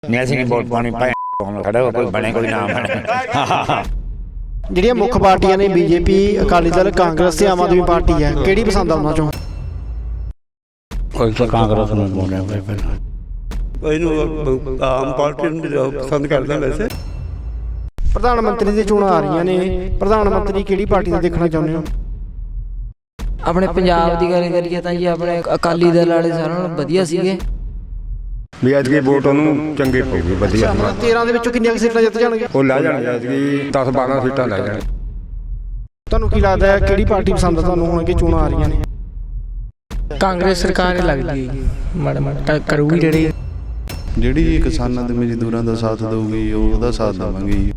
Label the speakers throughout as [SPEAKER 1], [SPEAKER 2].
[SPEAKER 1] ਅਸੀਂ ਵੋਟ ਪਾਉਣੀ ਸਾਡਾ ਕੋਈ ਬਣੇ ਕੋਈ ਨਾ ਬਣੇ।
[SPEAKER 2] ਜਿਹੜੀਆਂ ਮੁੱਖ ਪਾਰਟੀਆਂ ਨੇ ਬੀਜੇਪੀ, ਅਕਾਲੀ ਦਲ, ਕਾਂਗਰਸ ਤੇ ਆਮ ਆਦਮੀ ਪਾਰਟੀ ਹੈ, ਕਿਹੜੀ ਪਸੰਦ ਆ ਉਹਨਾਂ ਚੋਂ?
[SPEAKER 1] ਕੋਈ ਤਾਂ ਕਾਂਗਰਸ ਨੂੰ ਬੋਲਿਆ ਪਹਿਲਾਂ
[SPEAKER 3] ਇਹਨੂੰ ਆਮ ਪਾਰਟੀ ਨੂੰ ਪਸੰਦ ਕਰਦਾ ਵੈਸੇ।
[SPEAKER 2] ਪ੍ਰਧਾਨ ਮੰਤਰੀ ਦੀਆਂ ਚੋਣਾਂ ਆ ਰਹੀਆਂ ਨੇ, ਪ੍ਰਧਾਨ ਮੰਤਰੀ ਕਿਹੜੀ ਪਾਰਟੀ ਦਾ ਦੇਖਣਾ ਚਾਹੁੰਦੇ ਹੋ?
[SPEAKER 4] ਆਪਣੇ ਪੰਜਾਬ ਦੀ ਗੱਲ ਕਰੀਏ ਤਾਂ ਜੀ ਆਪਣੇ ਅਕਾਲੀ ਦਲ ਵਾਲੇ ਸਾਰਿਆਂ ਨਾਲੋਂ ਵਧੀਆ ਸੀਗੇ।
[SPEAKER 5] ਵੀ ਅੱਜ ਕੀ ਵੋਟ ਉਹਨੂੰ ਚੰਗੀ ਪਊਗੀ ਵਧੀਆ।
[SPEAKER 2] 13 ਦੇ ਵਿੱਚੋਂ ਕਿੰਨੀਆਂ ਸੀਟਾਂ ਜਿੱਤ ਜਾਣਗੇ?
[SPEAKER 5] ਉਹ ਲੈ ਜਾਣਗੇ ਅੱਜ ਕੀ 10-12 ਸੀਟਾਂ ਲੈ ਜਾਣਗੇ।
[SPEAKER 2] ਤੁਹਾਨੂੰ ਕੀ ਲੱਗਦਾ ਹੈ ਕਿਹੜੀ ਪਾਰਟੀ ਪਸੰਦ ਆ ਤੁਹਾਨੂੰ ਹੁਣ ਕਿ ਚੋਣਾਂ ਆ ਰਹੀਆਂ ਨੇ?
[SPEAKER 4] ਕਾਂਗਰਸ ਸਰਕਾਰ ਹੀ ਲੱਗਦੀ ਹੈ, ਮਾੜਾ ਮਾੜਾ ਕਰੂਗੀ
[SPEAKER 6] ਜਿਹੜੀ ਕਿਸਾਨਾਂ ਤੇ ਮਜ਼ਦੂਰਾਂ ਦਾ ਸਾਥ ਦੇਊਗੀ ਉਹਦਾ ਸਾਥ ਦੇਵਾਂਗੇ।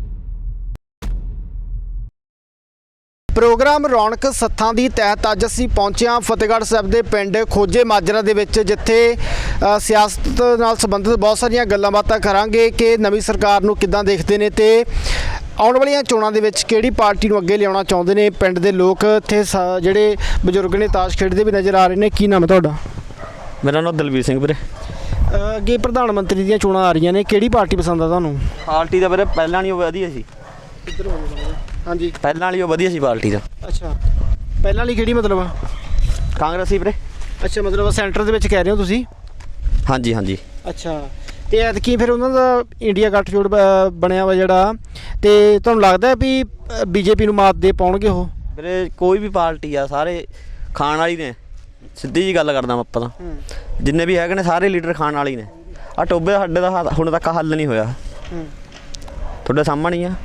[SPEAKER 2] ਪ੍ਰੋਗਰਾਮ ਰੌਣਕ ਸੱਥਾਂ ਦੀ ਤਹਿਤ ਅੱਜ ਅਸੀਂ ਪਹੁੰਚੇ ਹਾਂ ਫਤਿਹਗੜ੍ਹ ਸਾਹਿਬ ਦੇ ਪਿੰਡ ਖੋਜੇ ਮਾਜਰਾ ਦੇ ਵਿੱਚ, ਜਿੱਥੇ ਸਿਆਸਤ ਨਾਲ ਸੰਬੰਧਿਤ ਬਹੁਤ ਸਾਰੀਆਂ ਗੱਲਾਂ ਬਾਤਾਂ ਕਰਾਂਗੇ ਕਿ ਨਵੀਂ ਸਰਕਾਰ ਨੂੰ ਕਿੱਦਾਂ ਦੇਖਦੇ ਨੇ ਤੇ ਆਉਣ ਵਾਲੀਆਂ ਚੋਣਾਂ ਦੇ ਵਿੱਚ ਕਿਹੜੀ ਪਾਰਟੀ ਨੂੰ ਅੱਗੇ ਲਿਆਉਣਾ ਚਾਹੁੰਦੇ ਨੇ। ਪਿੰਡ ਦੇ ਲੋਕ ਇੱਥੇ ਜਿਹੜੇ ਬਜ਼ੁਰਗ ਨੇ ਤਾਸ਼ ਖੇਡਦੇ ਵੀ ਨਜ਼ਰ ਆ ਰਹੇ ਨੇ। ਕੀ ਨਾਮ ਹੈ ਤੁਹਾਡਾ?
[SPEAKER 7] ਮੇਰਾ ਨਾਮ ਦਲਵੀਰ ਸਿੰਘ ਵੀਰੇ।
[SPEAKER 2] ਅੱਗੇ ਪ੍ਰਧਾਨ ਮੰਤਰੀ ਦੀਆਂ ਚੋਣਾਂ ਆ ਰਹੀਆਂ ਨੇ, ਕਿਹੜੀ ਪਾਰਟੀ ਪਸੰਦ ਆ ਤੁਹਾਨੂੰ?
[SPEAKER 7] ਪਾਰਟੀ ਦਾ ਵੀਰੇ ਪਹਿਲਾਂ ਨਹੀਂ ਉਹ ਵਧੀਆ ਸੀ।
[SPEAKER 2] ਹਾਂਜੀ,
[SPEAKER 7] ਪਹਿਲਾਂ ਵਾਲੀ ਉਹ ਵਧੀਆ ਸੀ ਪਾਰਟੀ ਦਾ।
[SPEAKER 2] ਅੱਛਾ, ਪਹਿਲਾਂ ਵਾਲੀ ਕਿਹੜੀ ਮਤਲਬ ਆ?
[SPEAKER 7] ਕਾਂਗਰਸੀ ਵੀਰੇ।
[SPEAKER 2] ਅੱਛਾ, ਮਤਲਬ ਸੈਂਟਰ ਦੇ ਵਿੱਚ ਕਹਿ ਰਹੇ ਹੋ ਤੁਸੀਂ?
[SPEAKER 7] ਹਾਂਜੀ ਹਾਂਜੀ।
[SPEAKER 2] ਅੱਛਾ, ਤੇ ਐਤਕੀ ਫਿਰ ਉਹਨਾਂ ਦਾ ਇੰਡੀਆ ਗੱਠਜੋੜ ਬਣਿਆ ਵਾ ਜਿਹੜਾ, ਤੇ ਤੁਹਾਨੂੰ ਲੱਗਦਾ ਹੈ ਵੀ ਬੀਜੇਪੀ ਨੂੰ ਮਾਤ ਦੇ ਪਾਉਣਗੇ ਉਹ?
[SPEAKER 7] ਵੀਰੇ ਕੋਈ ਵੀ ਪਾਰਟੀ ਆ ਸਾਰੇ ਖਾਣ ਵਾਲੀ ਨੇ, ਸਿੱਧੀ ਜੀ ਗੱਲ ਕਰਦਾ ਮੈਂ। ਆਪਾਂ ਤਾਂ ਜਿੰਨੇ ਵੀ ਹੈਗੇ ਨੇ ਸਾਰੇ ਲੀਡਰ ਖਾਣ ਵਾਲੀ ਨੇ। ਆ ਟੋਬੇ ਸਾਡੇ ਦਾ ਹੁਣ ਤੱਕ ਹੱਲ ਨਹੀਂ ਹੋਇਆ, ਤੁਹਾਡੇ ਸਾਹਮਣੇ ਹੀ ਆ।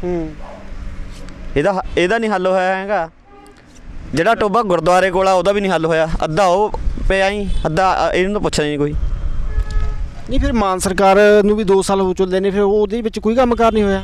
[SPEAKER 7] ਇਹਦਾ ਨਹੀਂ ਹੱਲ ਹੋਇਆ ਹੈਗਾ। ਜਿਹੜਾ ਟੋਬਾ ਗੁਰਦੁਆਰੇ ਕੋਲ ਆ ਉਹਦਾ ਵੀ ਨਹੀਂ ਹੱਲ ਹੋਇਆ। ਅੱਧਾ ਉਹ ਪਿਆ ਹੀ, ਅੱਧਾ ਇਹਨੂੰ ਤਾਂ ਪੁੱਛਦਾ ਨਹੀਂ ਕੋਈ।
[SPEAKER 2] ਨਹੀਂ, ਫਿਰ ਮਾਨ ਸਰਕਾਰ ਨੂੰ ਵੀ 2 ਸਾਲ ਹੋ ਚੁੱਲੇ ਨੇ, ਫਿਰ ਉਹਦੇ ਵਿੱਚ ਕੋਈ ਕੰਮ ਕਾਰ ਨਹੀਂ ਹੋਇਆ?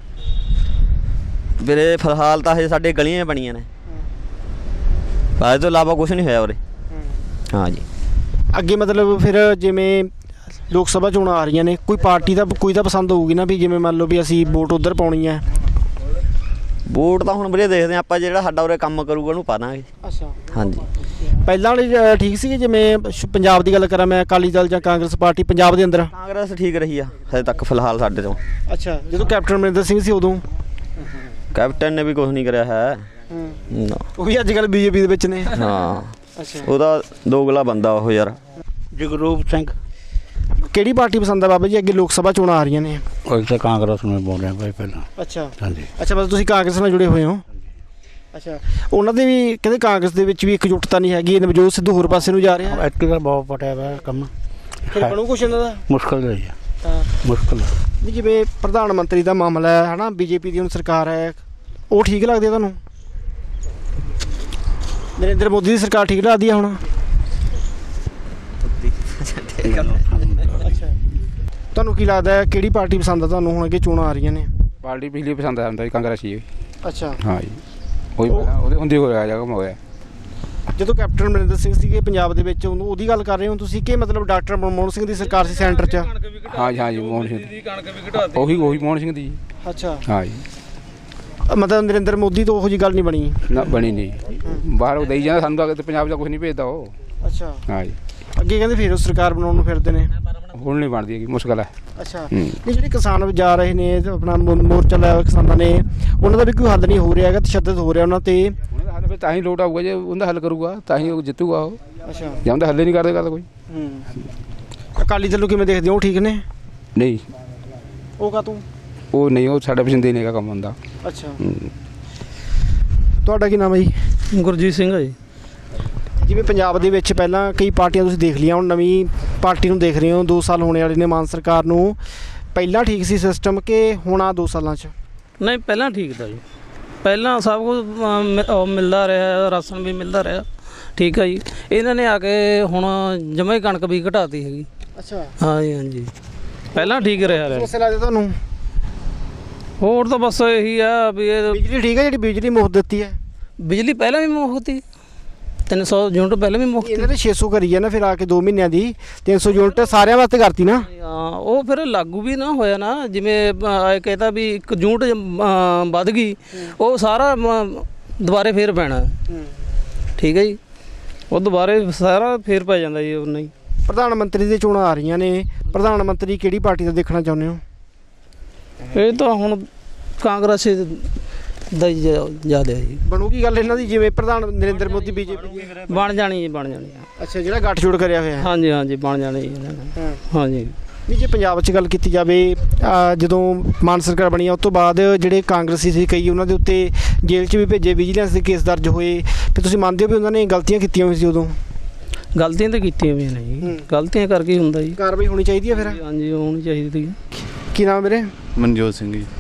[SPEAKER 7] ਵੀਰੇ ਫਿਲਹਾਲ ਤਾਂ ਹਜੇ ਸਾਡੇ ਗਲੀਆਂ ਬਣੀਆਂ ਨੇ, ਇਹਦੇ ਤੋਂ ਇਲਾਵਾ ਕੁਛ ਨਹੀਂ ਹੋਇਆ ਉਰੇ। ਹਾਂ ਜੀ।
[SPEAKER 2] ਅੱਗੇ ਮਤਲਬ ਫਿਰ ਜਿਵੇਂ ਲੋਕ ਸਭਾ ਚੋਣਾਂ ਆ ਰਹੀਆਂ ਨੇ, ਕੋਈ ਪਾਰਟੀ ਦਾ ਕੋਈ ਤਾਂ ਪਸੰਦ ਹੋਊਗੀ ਨਾ, ਵੀ ਜਿਵੇਂ ਮੰਨ ਲਓ ਵੀ ਅਸੀਂ ਵੋਟ ਉੱਧਰ ਪਾਉਣੀ ਹੈ।
[SPEAKER 7] ਵੋਟ ਤਾਂ ਹੁਣ ਵੀਰੇ ਦੇਖਦੇ ਆਪਾਂ, ਜਿਹੜਾ ਸਾਡਾ ਉਰੇ ਕੰਮ ਕਰੂਗਾ ਉਹਨੂੰ ਪਾ ਦਾਂਗੇ।
[SPEAKER 2] ਅੱਛਾ,
[SPEAKER 7] ਹਾਂਜੀ।
[SPEAKER 2] ਪਹਿਲਾਂ ਵਾਲੀ ਠੀਕ ਸੀਗੇ? ਜਿਵੇਂ ਪੰਜਾਬ ਦੀ ਗੱਲ ਕਰਾਂ ਮੈਂ, ਅਕਾਲੀ ਦਲ ਜਾਂ ਕਾਂਗਰਸ ਪਾਰਟੀ ਪੰਜਾਬ ਦੇ ਅੰਦਰ?
[SPEAKER 7] ਕਾਂਗਰਸ ਠੀਕ ਰਹੀ ਆ ਹਜੇ ਤੱਕ ਫਿਲਹਾਲ ਸਾਡੇ ਤੋਂ।
[SPEAKER 2] ਅੱਛਾ, ਜਦੋਂ ਕੈਪਟਨ ਅਮਰਿੰਦਰ ਸਿੰਘ ਸੀ ਉਦੋਂ?
[SPEAKER 7] ਕੈਪਟਨ ਨੇ ਵੀ ਕੁਝ ਨਹੀਂ ਕਰਿਆ ਹੈ ਨਾ।
[SPEAKER 2] ਉਹ ਵੀ ਅੱਜ ਕੱਲ੍ਹ ਬੀਜੇਪੀ ਦੇ ਵਿੱਚ ਨੇ।
[SPEAKER 7] ਹਾਂ,
[SPEAKER 2] ਅੱਛਾ,
[SPEAKER 7] ਉਹਦਾ ਦੋਗਲਾ ਬੰਦਾ ਉਹ ਯਾਰ।
[SPEAKER 3] ਜਗਰੂਪ ਸਿੰਘ।
[SPEAKER 2] ਕਿਹੜੀ ਪਾਰਟੀ ਪਸੰਦ ਆ ਬਾਬਾ ਜੀ? ਅੱਗੇ ਲੋਕ ਸਭਾ ਚੋਣਾਂ ਆ ਰਹੀਆਂ ਨੇ।
[SPEAKER 1] ਕੋਈ ਤਾਂ ਕਾਂਗਰਸ ਨੂੰ ਬੋਲਿਆ ਪਹਿਲਾਂ।
[SPEAKER 2] ਅੱਛਾ
[SPEAKER 1] ਹਾਂਜੀ।
[SPEAKER 2] ਅੱਛਾ, ਬਸ ਤੁਸੀਂ ਕਾਂਗਰਸ ਨਾਲ ਜੁੜੇ ਹੋਏ ਹੋ? ਅੱਛਾ, ਉਹਨਾਂ ਦੇ ਵੀ ਕਹਿੰਦੇ ਕਾਂਗਰਸ ਦੇ ਵਿੱਚ ਵੀ ਇਕਜੁੱਟਤਾ ਨਹੀਂ ਹੈਗੀ, ਨਵਜੋਤ ਸਿੱਧੂ ਹੋਰ ਪਾਸੇ ਨੂੰ ਜਾ ਰਿਹਾ।
[SPEAKER 1] ਐਤਕੀ ਤਾਂ ਬਹੁਤ ਪਟਿਆ ਵਾ ਕੰਮ।
[SPEAKER 2] ਫਿਰ ਬਣੂ ਕੁਛ ਇਹਨਾਂ ਦਾ?
[SPEAKER 1] ਮੁਸ਼ਕਲ ਹੈ ਜੀ,
[SPEAKER 2] ਹਾਂ,
[SPEAKER 1] ਮੁਸ਼ਕਲ।
[SPEAKER 2] ਨਹੀਂ, ਜਿਵੇਂ ਪ੍ਰਧਾਨ ਮੰਤਰੀ ਦਾ ਮਾਮਲਾ ਹੈ ਨਾ, ਬੀਜੇਪੀ ਦੀ ਹੁਣ ਸਰਕਾਰ ਹੈ, ਉਹ ਠੀਕ ਲੱਗਦੀ ਹੈ ਤੁਹਾਨੂੰ? ਨਰਿੰਦਰ ਮੋਦੀ ਦੀ ਸਰਕਾਰ ਠੀਕ ਲੱਗਦੀ ਹੈ ਹੁਣ? ਅੱਛਾ, ਤੁਹਾਨੂੰ ਕੀ ਲੱਗਦਾ ਹੈ ਕਿਹੜੀ ਪਾਰਟੀ ਪਸੰਦ ਆ ਤੁਹਾਨੂੰ ਹੁਣ ਅੱਗੇ ਚੋਣਾਂ ਆ ਰਹੀਆਂ ਨੇ?
[SPEAKER 5] ਪਾਰਟੀ ਪਿਛਲੀ ਪਸੰਦ ਆਉਂਦਾ ਜੀ ਕਾਂਗਰਸੀ।
[SPEAKER 2] ਅੱਛਾ,
[SPEAKER 5] ਹਾਂ ਜੀ, ਉਹਦੇ ਹੁੰਦੀ ਹੋਇਆ ਜਾ ਕੰਮ ਹੋਇਆ।
[SPEAKER 2] ਜਦੋਂ ਕੈਪਟਨ ਅਮਰਿੰਦਰ ਸਿੰਘ ਸੀਗੇ ਪੰਜਾਬ ਦੇ ਵਿੱਚ, ਉਹਦੀ ਗੱਲ ਕਰ ਰਹੇ ਹੋ ਤੁਸੀਂ ਕਿ ਮਤਲਬ ਡਾਕਟਰ ਮਨਮੋਹਨ ਸਿੰਘ ਦੀ ਸਰਕਾਰ ਸੀ ਸੈਂਟਰ 'ਚ?
[SPEAKER 5] ਹਾਂ ਜੀ, ਹਾਂ ਜੀ, ਮੋਹਨ ਸਿੰਘ ਦੀ ਉਹੀ ਮੋਹਨ ਸਿੰਘ ਦੀ।
[SPEAKER 2] ਅੱਛਾ,
[SPEAKER 5] ਹਾਂ ਜੀ,
[SPEAKER 2] ਮਤਲਬ ਨਰਿੰਦਰ ਮੋਦੀ ਤੋਂ ਉਹੋ ਜਿਹੀ ਗੱਲ ਨਹੀਂ ਬਣੀ?
[SPEAKER 5] ਨਾ ਬਣੀ ਨਹੀਂ, ਬਾਹਰ ਉਹ ਦੇਈ ਜਾਂਦਾ ਸਾਨੂੰ ਤਾਂ ਤੇ ਪੰਜਾਬ ਦਾ ਕੁਝ ਨਹੀਂ ਭੇਜਦਾ ਉਹ।
[SPEAKER 2] ਅੱਛਾ,
[SPEAKER 5] ਹਾਂ ਜੀ,
[SPEAKER 2] ਅੱਗੇ ਕਹਿੰਦੇ ਫਿਰ ਉਹ ਸਰਕਾਰ ਬਣਾਉਣ ਨੂੰ ਫਿਰਦੇ ਨੇ।
[SPEAKER 5] ਹੁਣ ਨਹੀਂ ਬਣਦੀ ਹੈਗੀ, ਮੁਸ਼ਕਲ ਹੈ।
[SPEAKER 2] ਅੱਛਾ, ਨਹੀਂ, ਜਿਹੜੇ ਕਿਸਾਨ ਜਾ ਰਹੇ ਨੇ ਆਪਣਾ ਮੋਰਚਾ ਲਾਇਆ ਹੋਇਆ ਕਿਸਾਨਾਂ ਨੇ, ਉਹਨਾਂ ਦਾ ਵੀ ਕੋਈ ਹੱਲ ਨਹੀਂ ਹੋ ਰਿਹਾ ਹੈਗਾ, ਤਸ਼ੱਦਦ ਹੋ ਰਿਹਾ ਉਹਨਾਂ 'ਤੇ।
[SPEAKER 5] ਉਹਨਾਂ ਦਾ ਹੱਲ ਫਿਰ ਤਾਂ ਹੀ ਲੋਟ ਆਊਗਾ ਜੇ ਉਹਦਾ ਹੱਲ ਕਰੂਗਾ ਤਾਂ ਹੀ ਉਹ ਜਿੱਤੂਗਾ ਉਹ।
[SPEAKER 2] ਅੱਛਾ,
[SPEAKER 5] ਜਾਂ ਉਹਦਾ ਹੱਲ ਹੀ ਨਹੀਂ ਕਰਦੇ ਗੱਲ ਕੋਈ।
[SPEAKER 2] ਅਕਾਲੀ ਦਲ ਨੂੰ ਕਿਵੇਂ ਦੇਖਦੇ ਹੋ? ਉਹ ਠੀਕ ਨੇ?
[SPEAKER 5] ਨਹੀਂ,
[SPEAKER 2] ਉਹ ਕਾਹਤੋਂ?
[SPEAKER 5] ਉਹ ਨਹੀਂ, ਉਹ ਸਾਡਾ ਪਸੰਦ ਹੀ ਨਹੀਂ ਹੈਗਾ ਕੰਮ ਹੁੰਦਾ।
[SPEAKER 2] ਅੱਛਾ, ਤੁਹਾਡਾ ਕੀ ਨਾਮ ਹੈ ਜੀ?
[SPEAKER 8] ਗੁਰਜੀਤ ਸਿੰਘ ਹੈ ਜੀ।
[SPEAKER 2] ਜਿਵੇਂ ਪੰਜਾਬ ਦੇ ਵਿੱਚ ਪਹਿਲਾਂ ਕਈ ਪਾਰਟੀਆਂ ਤੁਸੀਂ ਦੇਖ ਲਈਆਂ, ਹੁਣ ਨਵੀਂ ਪਾਰਟੀ ਨੂੰ ਦੇਖ ਰਹੇ ਹੋ, 2 ਸਾਲ ਹੋਣੇ ਵਾਲੇ ਨੇ ਮਾਨ ਸਰਕਾਰ ਨੂੰ। ਪਹਿਲਾਂ ਠੀਕ ਸੀ ਸਿਸਟਮ ਕਿ ਹੁਣ ਆ 2 ਸਾਲਾਂ 'ਚ?
[SPEAKER 8] ਨਹੀਂ, ਪਹਿਲਾਂ ਠੀਕ ਤਾਂ ਜੀ, ਪਹਿਲਾਂ ਸਭ ਕੁਝ ਮਿਲਦਾ ਰਿਹਾ, ਰਾਸ਼ਨ ਵੀ ਮਿਲਦਾ ਰਿਹਾ, ਠੀਕ ਹੈ ਜੀ। ਇਹਨਾਂ ਨੇ ਆ ਕੇ ਹੁਣ ਜਮਾਂ ਹੀ ਕਣਕ ਵੀ ਘਟਾਤੀ ਹੈਗੀ।
[SPEAKER 2] ਅੱਛਾ,
[SPEAKER 8] ਹਾਂ ਜੀ, ਹਾਂਜੀ, ਪਹਿਲਾਂ ਠੀਕ ਰਿਹਾ।
[SPEAKER 2] ਲੱਗਦਾ ਤੁਹਾਨੂੰ?
[SPEAKER 8] ਹੋਰ ਤਾਂ ਬਸ ਇਹੀ ਆ ਵੀ ਇਹ
[SPEAKER 2] ਬਿਜਲੀ ਠੀਕ ਹੈ, ਜਿਹੜੀ ਬਿਜਲੀ ਮੁਫਤ ਦਿੱਤੀ ਹੈ?
[SPEAKER 8] ਬਿਜਲੀ ਪਹਿਲਾਂ ਵੀ ਮੁਫਤ ਸੀ, 300 ਯੂਨਿਟ ਪਹਿਲਾਂ ਵੀ ਮੁਫਤ।
[SPEAKER 2] ਇਹਨਾਂ ਨੇ 600 ਕਰੀ ਹੈ ਨਾ, ਫਿਰ ਆ ਕੇ 2 ਮਹੀਨਿਆਂ ਦੀ 300 ਯੂਨਿਟ ਸਾਰਿਆਂ ਵਾਸਤੇ ਕਰਤੀ ਨਾ।
[SPEAKER 8] ਹਾਂ, ਉਹ ਫਿਰ ਲਾਗੂ ਵੀ ਨਾ ਹੋਇਆ ਨਾ, ਜਿਵੇਂ ਕਹਿੰਦਾ ਵੀ 1 ਯੂਨਿਟ ਵੱਧ ਗਈ, ਉਹ ਸਾਰਾ ਦੁਬਾਰੇ ਫੇਰ ਪੈਣਾ। ਠੀਕ ਹੈ ਜੀ, ਉਹ ਦੁਬਾਰੇ ਸਾਰਾ ਫੇਰ ਪੈ ਜਾਂਦਾ ਜੀ। ਉਹ ਨਹੀਂ
[SPEAKER 2] ਪ੍ਰਧਾਨ ਮੰਤਰੀ ਦੀਆਂ ਚੋਣਾਂ ਆ ਰਹੀਆਂ ਨੇ, ਪ੍ਰਧਾਨ ਮੰਤਰੀ ਕਿਹੜੀ ਪਾਰਟੀ ਦਾ ਦੇਖਣਾ ਚਾਹੁੰਦੇ ਹੋ?
[SPEAKER 8] ਇਹ ਤਾਂ ਹੁਣ ਕਾਂਗਰਸ ਦਾ ਹੀ ਜ਼ਿਆਦਾ ਹੈ ਜੀ।
[SPEAKER 2] ਬਣੂਗੀ ਗੱਲ ਇਹਨਾਂ ਦੀ, ਜਿਵੇਂ ਪ੍ਰਧਾਨ ਨਰਿੰਦਰ ਮੋਦੀ ਬੀਜੇਪੀ
[SPEAKER 8] ਬਣ ਜਾਣੀ ਜੀ, ਬਣ ਜਾਣੀ ਆ।
[SPEAKER 2] ਅੱਛਾ, ਜਿਹੜਾ ਗੱਠਜੋੜ ਕਰਿਆ ਹੋਇਆ ਹੈ।
[SPEAKER 8] ਹਾਂਜੀ ਹਾਂਜੀ ਬਣ ਜਾਣੀ ਜੀ ਇਹਨਾਂ ਨੇ। ਹਾਂਜੀ
[SPEAKER 2] ਨਹੀਂ, ਜੇ ਪੰਜਾਬ 'ਚ ਗੱਲ ਕੀਤੀ ਜਾਵੇ, ਜਦੋਂ ਮਾਨ ਸਰਕਾਰ ਬਣੀ ਆ ਉਸ ਤੋਂ ਬਾਅਦ ਜਿਹੜੇ ਕਾਂਗਰਸੀ ਸੀ ਕਈ, ਉਹਨਾਂ ਦੇ ਉੱਤੇ ਜੇਲ੍ਹ 'ਚ ਵੀ ਭੇਜੇ, ਵਿਜੀਲੈਂਸ ਦੇ ਕੇਸ ਦਰਜ ਹੋਏ, ਫਿਰ ਤੁਸੀਂ ਮੰਨਦੇ ਹੋ ਵੀ ਉਹਨਾਂ ਨੇ ਗਲਤੀਆਂ ਕੀਤੀਆਂ ਹੋਈਆਂ ਸੀ ਉਦੋਂ?
[SPEAKER 8] ਗਲਤੀਆਂ ਤਾਂ ਕੀਤੀਆਂ ਹੋਈਆਂ ਨੇ ਜੀ, ਗਲਤੀਆਂ ਕਰਕੇ ਹੀ ਹੁੰਦਾ ਜੀ।
[SPEAKER 2] ਕਾਰਵਾਈ ਹੋਣੀ ਚਾਹੀਦੀ ਹੈ ਫਿਰ?
[SPEAKER 8] ਹਾਂਜੀ ਹੋਣੀ ਚਾਹੀਦੀ ਸੀ।
[SPEAKER 2] ਕੀ ਨਾਮ ਮੇਰੇ?
[SPEAKER 6] ਮਨਜੋਤ ਸਿੰਘ ਜੀ।